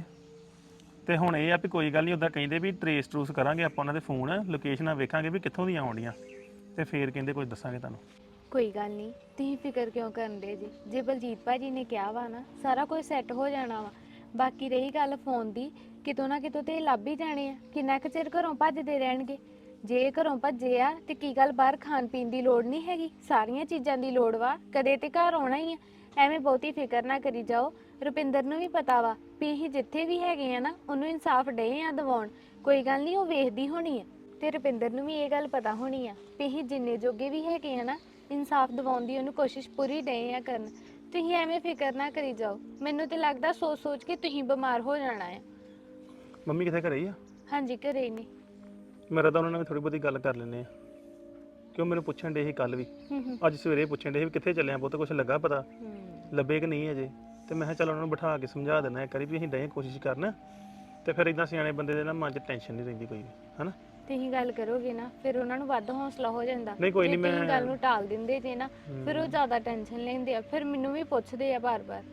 S1: ਤੇ ਹੁਣ ਇਹ ਆ ਵੀ ਕੋਈ ਗੱਲ ਨਹੀਂ, ਉੱਦਾਂ ਕਹਿੰਦੇ ਵੀ ਟਰੇਸ ਟਰੂਸ ਕਰਾਂਗੇ ਆਪਾਂ ਉਹਨਾਂ ਦੇ ਫੋਨ ਲੋਕੇਸ਼ਨਾਂ ਵੇਖਾਂਗੇ ਵੀ ਕਿੱਥੋਂ ਦੀਆਂ ਆਉਂਦੀਆਂ ਤੇ ਫੇਰ ਕਹਿੰਦੇ ਕੁਝ ਦੱਸਾਂਗੇ ਤੁਹਾਨੂੰ।
S9: ਕੋਈ ਗੱਲ ਨਹੀਂ, ਤੁਸੀਂ ਫਿਕਰ ਕਿਉਂ ਕਰਨ ਦੇ ਜੀ? ਜੇ ਬਲਜੀਤ ਭਾਜੀ ਨੇ ਕਿਹਾ ਵਾ ਨਾ ਸਾਰਾ ਕੁਝ ਸੈੱਟ ਹੋ ਜਾਣਾ ਵਾ। ਬਾਕੀ ਰਹੀ ਗੱਲ ਫੋਨ ਦੀ, ਕਿਤੋਂ ਨਾ ਕਿਤੋਂ ਤੇ ਇਹ ਲੱਭ ਹੀ ਜਾਣੇ ਆ। ਕਿੰਨਾ ਕੁ ਚਿਰ ਘਰੋਂ ਭੱਜਦੇ ਰਹਿਣਗੇ? ਜੇ ਘਰੋਂ ਭੱਜੇ ਆ ਤੇ ਕੀ ਗੱਲ ਬਾਹਰ ਖਾਣ ਪੀਣ ਦੀ ਲੋੜ ਨਹੀਂ ਹੈਗੀ? ਸਾਰੀਆਂ ਚੀਜ਼ਾਂ ਦੀ ਲੋੜ ਵਾ, ਕਦੇ ਤੇ ਘਰ ਆਉਣਾ ਹੀ ਆ। ਐਵੇਂ ਬਹੁਤੀ ਫਿਕਰ ਨਾ ਕਰੀ ਜਾਓ। ਰੁਪਿੰਦਰ ਨੂੰ ਵੀ ਪਤਾ ਵਾ ਵੀ ਅਸੀਂ ਜਿੱਥੇ ਵੀ ਹੈਗੇ ਆ ਨਾ ਉਹਨੂੰ ਇਨਸਾਫ ਡੇ ਆ ਦਿਵਾਉਣ। ਕੋਈ ਗੱਲ ਨਹੀਂ, ਉਹ ਵੇਖਦੀ ਹੋਣੀ ਆ ਤੇ ਰੁਪਿੰਦਰ ਨੂੰ ਵੀ ਇਹ ਗੱਲ ਪਤਾ ਹੋਣੀ ਆ ਵੀ ਅਸੀਂ ਜਿੰਨੇ ਜੋਗੇ ਵੀ ਹੈਗੇ ਆ ਨਾ ਇਨਸਾਫ ਦਿਵਾਉਣ ਦੀ ਉਹਨੂੰ ਕੋਸ਼ਿਸ਼ ਪੂਰੀ ਡੇ ਆ ਕਰਨ। ਤੁਸੀਂ ਐਵੇਂ ਫਿਕਰ ਨਾ ਕਰੀ ਜਾਓ। ਮੈਨੂੰ ਤੇ ਲੱਗਦਾ ਸੋਚ ਸੋਚ ਕੇ ਤੁਸੀਂ ਬਿਮਾਰ ਹੋ ਜਾਣਾ ਆ।
S1: ਮੰਮੀ ਕਿੱਥੇ ਘਰੇ ਹੀ ਆ?
S9: ਹਾਂਜੀ ਘਰੇ ਹੀ ਨੇ।
S1: ਮੇਰਾ ਤਾਂ ਉਹਨਾਂ ਨਾਲ ਥੋੜੀ ਬਹੁਤੀ ਗੱਲ ਕਰ ਲੈਂਦੇ ਆ, ਕਿਉਂ ਮੈਨੂੰ ਪੁੱਛਣ ਡੇ ਸੀ ਕੱਲ ਵੀ, ਅੱਜ ਸਵੇਰੇ ਪੁੱਛਣ ਡੇ ਸੀ ਵੀ ਕਿੱਥੇ ਚੱਲੇ ਆ ਪੁੱਤ, ਕੁਛ ਲੱਗਾ ਪਤਾ ਲੱਭੇ ਕਿ ਨਹੀਂ ਅਜੇ। ਤੇ ਮੈਂ ਕਿਹਾ ਚੱਲ ਉਹਨਾਂ ਨੂੰ ਬਿਠਾ ਕੇ ਸਮਝਾ ਦੇਣਾ ਇੱਕ ਵਾਰੀ ਵੀ ਅਸੀਂ ਡੇ ਕੋਸ਼ਿਸ਼ ਕਰਨ, ਤੇ ਫਿਰ ਇਦਾਂ ਸਿਆਣੇ ਬੰਦੇ ਦੇ ਨਾ ਮਨ 'ਚ ਟੈਨਸ਼ਨ ਨਹੀਂ ਰਹਿੰਦੀ ਕੋਈ ਵੀ ਹਨਾ।
S9: ਤੁਸੀਂ ਗੱਲ ਕਰੋਗੇ ਨਾ ਫਿਰ ਉਹਨਾਂ ਨੂੰ ਵੱਧ ਹੌਸਲਾ ਹੋ ਜਾਂਦਾ।
S1: ਨਹੀਂ ਕੋਈ ਨਹੀਂ,
S9: ਜੇ ਤੁਸੀਂ
S1: ਮੈਂ
S9: ਗੱਲ ਨੂੰ ਟਾਲ ਦਿੰਦੇ ਜੇ ਨਾ ਫਿਰ ਉਹ ਜ਼ਿਆਦਾ ਟੈਨਸ਼ਨ ਲੈਂਦੇ ਆ, ਫਿਰ ਮੈਨੂੰ ਵੀ ਪੁੱਛਦੇ ਆ ਬਾਰ-ਬਾਰ।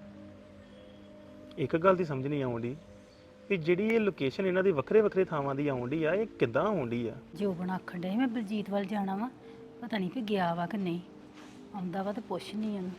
S1: ਇੱਕ ਗੱਲ ਦੀ ਸਮਝ ਨਹੀਂ ਆਉਂਦੀ ਵੀ ਜਿਹੜੀ ਇਹ ਲੋਕੇਸ਼ਨ ਇਹਨਾਂ ਦੀ ਵੱਖਰੇ ਵੱਖਰੇ ਥਾਵਾਂ ਦੀ ਆਉਂਦੀ ਆ, ਇਹ ਕਿੱਦਾਂ ਆਉਂਦੀ ਆ?
S10: ਜੋ ਬਣਾ ਆਖਣ ਡਿਆ ਸੀ ਮੈਂ ਬਲਜੀਤ ਵੱਲ ਜਾਣਾ ਵਾ, ਪਤਾ ਨਹੀਂ ਕਿ ਗਿਆ ਵਾ ਕਿ ਨਹੀਂ। ਆਉਂਦਾ ਵਾ ਤੇ ਪੁੱਛ ਨਹੀਂ ਉਹਨੂੰ।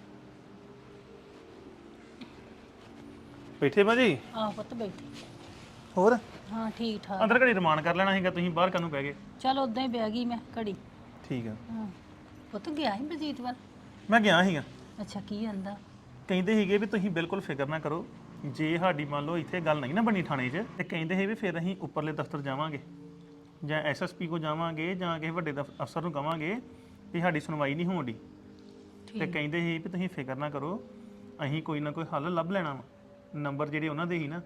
S1: ਬੈਠੇ ਭਾਜੀ?
S10: ਆਹ ਪੁੱਤ ਬੈਠੀ।
S1: ਹੋਰ
S10: ਹਾਂ ਠੀਕ ਠਾਕ।
S1: ਅੰਦਰ ਘੜੀ ਰਮਾਨ ਕਰ ਲੈਣਾ ਸੀਗਾ, ਤੁਸੀਂ ਬਾਹਰ ਕਾਹਨੂੰ ਬਹਿ ਗਏ?
S10: ਚਲ ਉਦਾਂ ਹੀ ਬਹਿ ਗਈ ਮੈਂ ਘੜੀ।
S1: ਠੀਕ ਆ।
S10: ਹਾਂ ਪੁੱਤ ਗਿਆ ਸੀ ਬਲਜੀਤ ਵੱਲ?
S1: ਮੈਂ ਗਿਆ ਸੀਗਾ।
S10: ਅੱਛਾ ਕੀ ਆਂਦਾ?
S1: ਕਹਿੰਦੇ ਸੀਗੇ ਵੀ ਤੁਸੀਂ ਬਿਲਕੁਲ ਫਿਕਰ ਨਾ ਕਰੋ, ਜੇ ਸਾਡੀ ਮੰਨ ਲਓ ਇੱਥੇ ਗੱਲ ਨਹੀਂ ਨਾ ਬਣੀ ਥਾਣੇ 'ਚ, ਤੇ ਕਹਿੰਦੇ ਸੀ ਵੀ ਫਿਰ ਅਸੀਂ ਉੱਪਰਲੇ ਦਫ਼ਤਰ ਜਾਵਾਂਗੇ ਜਾਂ ਐਸ ਐਸ ਪੀ ਕੋ ਜਾਵਾਂਗੇ ਜਾਂ ਕਿਸੇ ਵੱਡੇ ਦਫ਼- ਅਫਸਰ ਨੂੰ ਕਵਾਂਗੇ ਵੀ ਸਾਡੀ ਸੁਣਵਾਈ ਨਹੀਂ ਹੋਣ ਡਈ। ਤੇ ਕਹਿੰਦੇ ਸੀ ਵੀ ਤੁਸੀਂ ਫਿਕਰ ਨਾ ਕਰੋ, ਅਸੀਂ ਕੋਈ ਨਾ ਕੋਈ ਹੱਲ ਲੱਭ ਲੈਣਾ ਵਾ। ਨੰਬਰ ਜਿਹੜੇ ਉਹਨਾਂ ਦੇ ਸੀ ਨਾ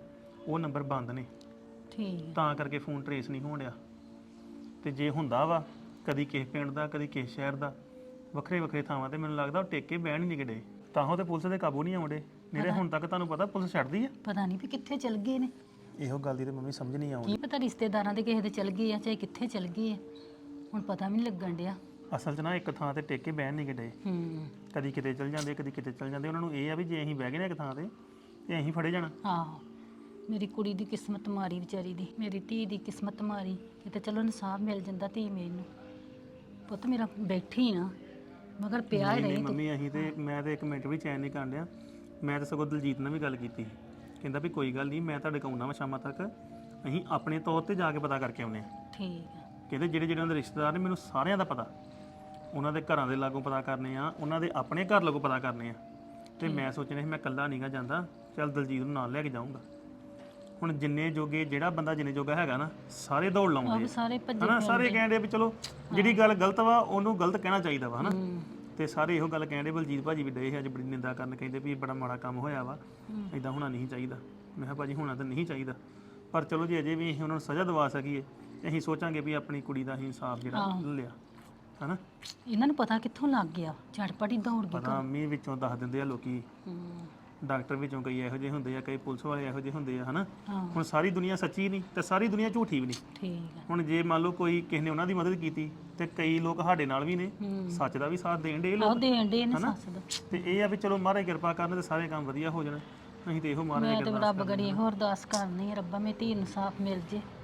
S1: ਉਹ ਨੰਬਰ ਬੰਦ ਨੇ,
S10: ਠੀਕ
S1: ਤਾਂ ਕਰਕੇ ਫੋਨ ਟਰੇਸ ਨਹੀਂ ਹੋਣ ਡਿਆ। ਤੇ ਜੇ ਹੁੰਦਾ ਵਾ ਕਦੀ ਕਿਸੇ ਪਿੰਡ ਦਾ ਕਦੀ ਕਿਸੇ ਸ਼ਹਿਰ ਦਾ, ਵੱਖਰੇ ਵੱਖਰੇ ਥਾਵਾਂ ਤੇ, ਮੈਨੂੰ ਲੱਗਦਾ ਉਹ ਟੇਕੇ ਬਹਿਣ ਹੀ ਨਹੀਂ ਕਿਡੇ, ਤਾਂ ਉਹ ਤੇ ਪੁਲਿਸ ਦੇ ਕਾਬੂ ਨਹੀਂ ਆਉਂਦੇ। ਨਹੀਂ ਤੇ ਹੁਣ ਤੱਕ ਤੁਹਾਨੂੰ ਪਤਾ ਪੁਲਿਸ ਛੱਡਦੀ ਆ।
S10: ਪਤਾ ਨਹੀਂ ਵੀ ਕਿੱਥੇ ਚਲ ਗਏ ਨੇ,
S1: ਇਹੋ ਗੱਲ ਦੀ ਤੇ ਮੰਮੀ ਸਮਝ ਨਹੀਂ ਆਉਂਦੀ।
S10: ਕੀ ਪਤਾ ਰਿਸ਼ਤੇਦਾਰਾਂ ਦੇ ਕਿਸੇ ਦੇ ਚਲ ਗਏ ਆ ਚਾਹੇ ਕਿੱਥੇ ਚਲ ਗਏ ਆ, ਹੁਣ ਪਤਾ ਵੀ ਨਹੀਂ ਲੱਗਣ ਡਿਆ।
S1: ਅਸਲ 'ਚ ਨਾ ਇੱਕ ਥਾਂ ਤੇ ਟੇਕੇ ਬਹਿਣ ਨਹੀਂ ਕਿਡੇ,
S10: ਹੂੰ
S1: ਕਦੀ ਕਿਤੇ ਚਲ ਜਾਂਦੇ ਕਦੀ ਕਿਤੇ ਚਲ ਜਾਂਦੇ। ਉਹਨਾਂ ਨੂੰ ਇਹ ਆ ਵੀ ਜੇ ਅਸੀਂ ਬਹਿ ਗਏ ਨਾ ਇੱਕ ਥਾਂ ਤੇ ਤੇ ਅਸੀਂ ਫੜੇ ਜਾਣਾ।
S10: ਆਹੋ, ਮੇਰੀ ਕੁੜੀ ਦੀ ਕਿਸਮਤ ਮਾਰੀ ਵਿਚਾਰੀ ਦੀ, ਮੇਰੀ ਧੀ ਦੀ ਕਿਸਮਤ ਮਾਰੀ। ਕਿਤੇ ਚਲੋ ਇਨਸਾਫ ਮਿਲ ਜਾਂਦਾ ਧੀ ਮੇਰੀ ਨੂੰ। ਪੁੱਤ ਮੇਰਾ ਬੈਠੀ ਨਾ ਮਗਰ ਪਿਆ ਹੀ
S1: ਨਹੀਂ
S10: ਰਹੀ
S1: ਨਹੀਂ
S10: ਤੂੰ।
S1: ਮੰਮੀ, ਅਸੀਂ ਤੇ ਮੈਂ ਤੇ ਇੱਕ ਮਿੰਟ ਵੀ ਚੈਨ ਨਹੀਂ ਕਰਨ ਡਿਆ। ਮੈਂ ਤਾਂ ਸਗੋਂ ਦਲਜੀਤ ਨਾਲ ਵੀ ਗੱਲ ਕੀਤੀ, ਕਹਿੰਦਾ ਵੀ ਕੋਈ ਗੱਲ ਨਹੀਂ, ਮੈਂ ਤੁਹਾਡੇ ਕੋਲ ਆਉਣਾ ਵਾ ਸ਼ਾਮਾਂ ਤੱਕ, ਅਸੀਂ ਆਪਣੇ ਤੌਰ ਤੇ ਜਾ ਕੇ ਪਤਾ ਕਰਕੇ ਆਉਂਦੇ ਹਾਂ।
S10: ਠੀਕ ਆ,
S1: ਕਹਿੰਦੇ ਜਿਹੜੇ ਜਿਹੜੇ ਉਹਨਾਂ ਦੇ ਰਿਸ਼ਤੇਦਾਰ ਨੇ ਮੈਨੂੰ ਸਾਰਿਆਂ ਦਾ ਪਤਾ, ਉਹਨਾਂ ਦੇ ਘਰਾਂ ਦੇ ਲਾਗੋਂ ਪਤਾ ਕਰਨੇ ਆ, ਉਹਨਾਂ ਦੇ ਆਪਣੇ ਘਰ ਲਾਗੋਂ ਪਤਾ ਕਰਨੇ ਆ। ਤੇ ਮੈਂ ਸੋਚਿਆ ਸੀ ਮੈਂ ਇਕੱਲਾ ਨਹੀਂਗਾ ਜਾਂਦਾ, ਚੱਲ ਦਲਜੀਤ ਨੂੰ ਨਾਲ ਲੈ ਕੇ ਜਾਊਂਗਾ। ਹੁਣ ਜਿੰਨੇ ਜੋਗੇ, ਜਿਹੜਾ ਬੰਦਾ ਜਿੰਨੇ ਜੋਗਾ ਹੈਗਾ ਨਾ, ਸਾਰੇ ਦੌੜ
S10: ਆਹ
S1: ਲਾਉਂਦੇ
S10: ਵੀ
S1: ਆ,
S10: ਸਾਰੇ ਭੱਜੇ
S1: ਹਨਾ। ਸਾਰੇ ਕਹਿੰਦੇ ਵੀ ਚਲੋ ਜਿਹੜੀ ਗੱਲ ਗਲਤ ਵਾ ਉਹਨੂੰ ਗਲਤ ਕਹਿਣਾ ਚਾਹੀਦਾ ਵਾ, ਹਨਾ।
S10: ਹੂੰ,
S1: ਤੇ ਸਾਰੇ ਇਹੋ ਗੱਲ ਕਹਿੰਦੇ, ਬਲਜੀਤ ਭਾਜੀ ਵੀ ਡਏ ਅੱਜ ਬੜੀ ਨਿੰਦਾ ਕਰਨ, ਕਹਿੰਦੇ ਵੀ ਬੜਾ ਮਾੜਾ ਕੰਮ ਹੋਇਆ ਵਾ, ਇਦਾਂ ਹੋਣਾ ਨਹੀਂ ਚਾਹੀਦਾ। ਮੈਂ ਕਿਹਾ ਭਾਜੀ ਹੋਣਾ ਤਾਂ ਨਹੀਂ ਚਾਹੀਦਾ, ਪਰ ਚਲੋ ਜੇ ਅਜੇ ਵੀ ਅਸੀਂ ਉਹਨਾਂ ਨੂੰ ਸਜ਼ਾ ਦਿਵਾ ਸਕੀਏ ਤੇ ਅਸੀਂ ਸੋਚਾਂਗੇ ਵੀ ਆਪਣੀ ਕੁੜੀ ਦਾ ਅਸੀਂ ਇਨਸਾਫ ਜਿਹੜਾ ਲਿਆ, ਹਨਾ।
S10: ਇਹਨਾਂ ਨੂੰ ਪਤਾ ਕਿੱਥੋਂ ਲੱਗ ਗਿਆ, ਝਟਪਟ ਹੀ ਦੌੜ ਗਏ।
S1: ਪਤਾ ਮੀਂਹ ਵਿੱਚੋਂ ਦੱਸ ਦਿੰਦੇ ਆ ਲੋਕੀ,
S10: ਹੂੰ,
S1: ਡਾਕਟਰ ਵਿੱਚੋਂ ਕਈ ਇਹੋ ਜਿਹੇ ਹੁੰਦੇ ਆ, ਕਈ ਪੁਲਿਸ ਵਾਲੇ ਇਹੋ ਜਿਹੇ ਹੁੰਦੇ ਆ, ਹਨਾ।
S10: ਹਾਂ
S1: ਹੁਣ ਸਾਰੀ ਦੁਨੀਆ ਸੱਚੀ ਨਹੀਂ ਤੇ ਸਾਰੀ ਦੁਨੀਆ ਝੂਠੀ ਵੀ ਨਹੀਂ।
S10: ਠੀਕ ਆ,
S1: ਹੁਣ ਜੇ ਮੰਨ ਲਓ ਕੋਈ ਕਿਸੇ ਨੇ ਉਹਨਾਂ ਦੀ ਮਦਦ ਕੀਤੀ ਤੇ ਕਈ ਲੋਕ ਸਾਡੇ ਨਾਲ ਵੀ ਨੇ,
S10: ਹੂੰ,
S1: ਸੱਚ ਦਾ ਵੀ ਸਾਥ ਦੇਣ ਦੇ
S10: ਆਹ
S1: ਲੋਕ।
S10: ਦੇਣ ਦੇ ਨੇ
S1: ਹਨਾ?
S10: ਸੱਸ ਦਾ।
S1: ਤੇ ਇਹ ਆ ਵੀ ਚਲੋ ਮਹਾਰਾਜ ਕਿਰਪਾ ਕਰਨ ਤੇ ਸਾਰੇ ਕੰਮ ਵਧੀਆ ਹੋ ਜਾਣ। ਅਸੀਂ ਤੇ ਇਹੋ ਮਹਾਰਾਜ
S10: ਮੈਂ
S1: ਅੱਗੇ
S10: ਤੇ
S1: ਅਰਦਾਸ
S10: ਰੱਬ ਗੜੀ ਹੋਰ ਅਰਦਾਸ ਕਰਨੀ ਆ, ਰੱਬਾ ਮੇਰੀ ਧੀ ਨੂੰ ਇਨਸਾਫ ਮਿਲ ਜੇ।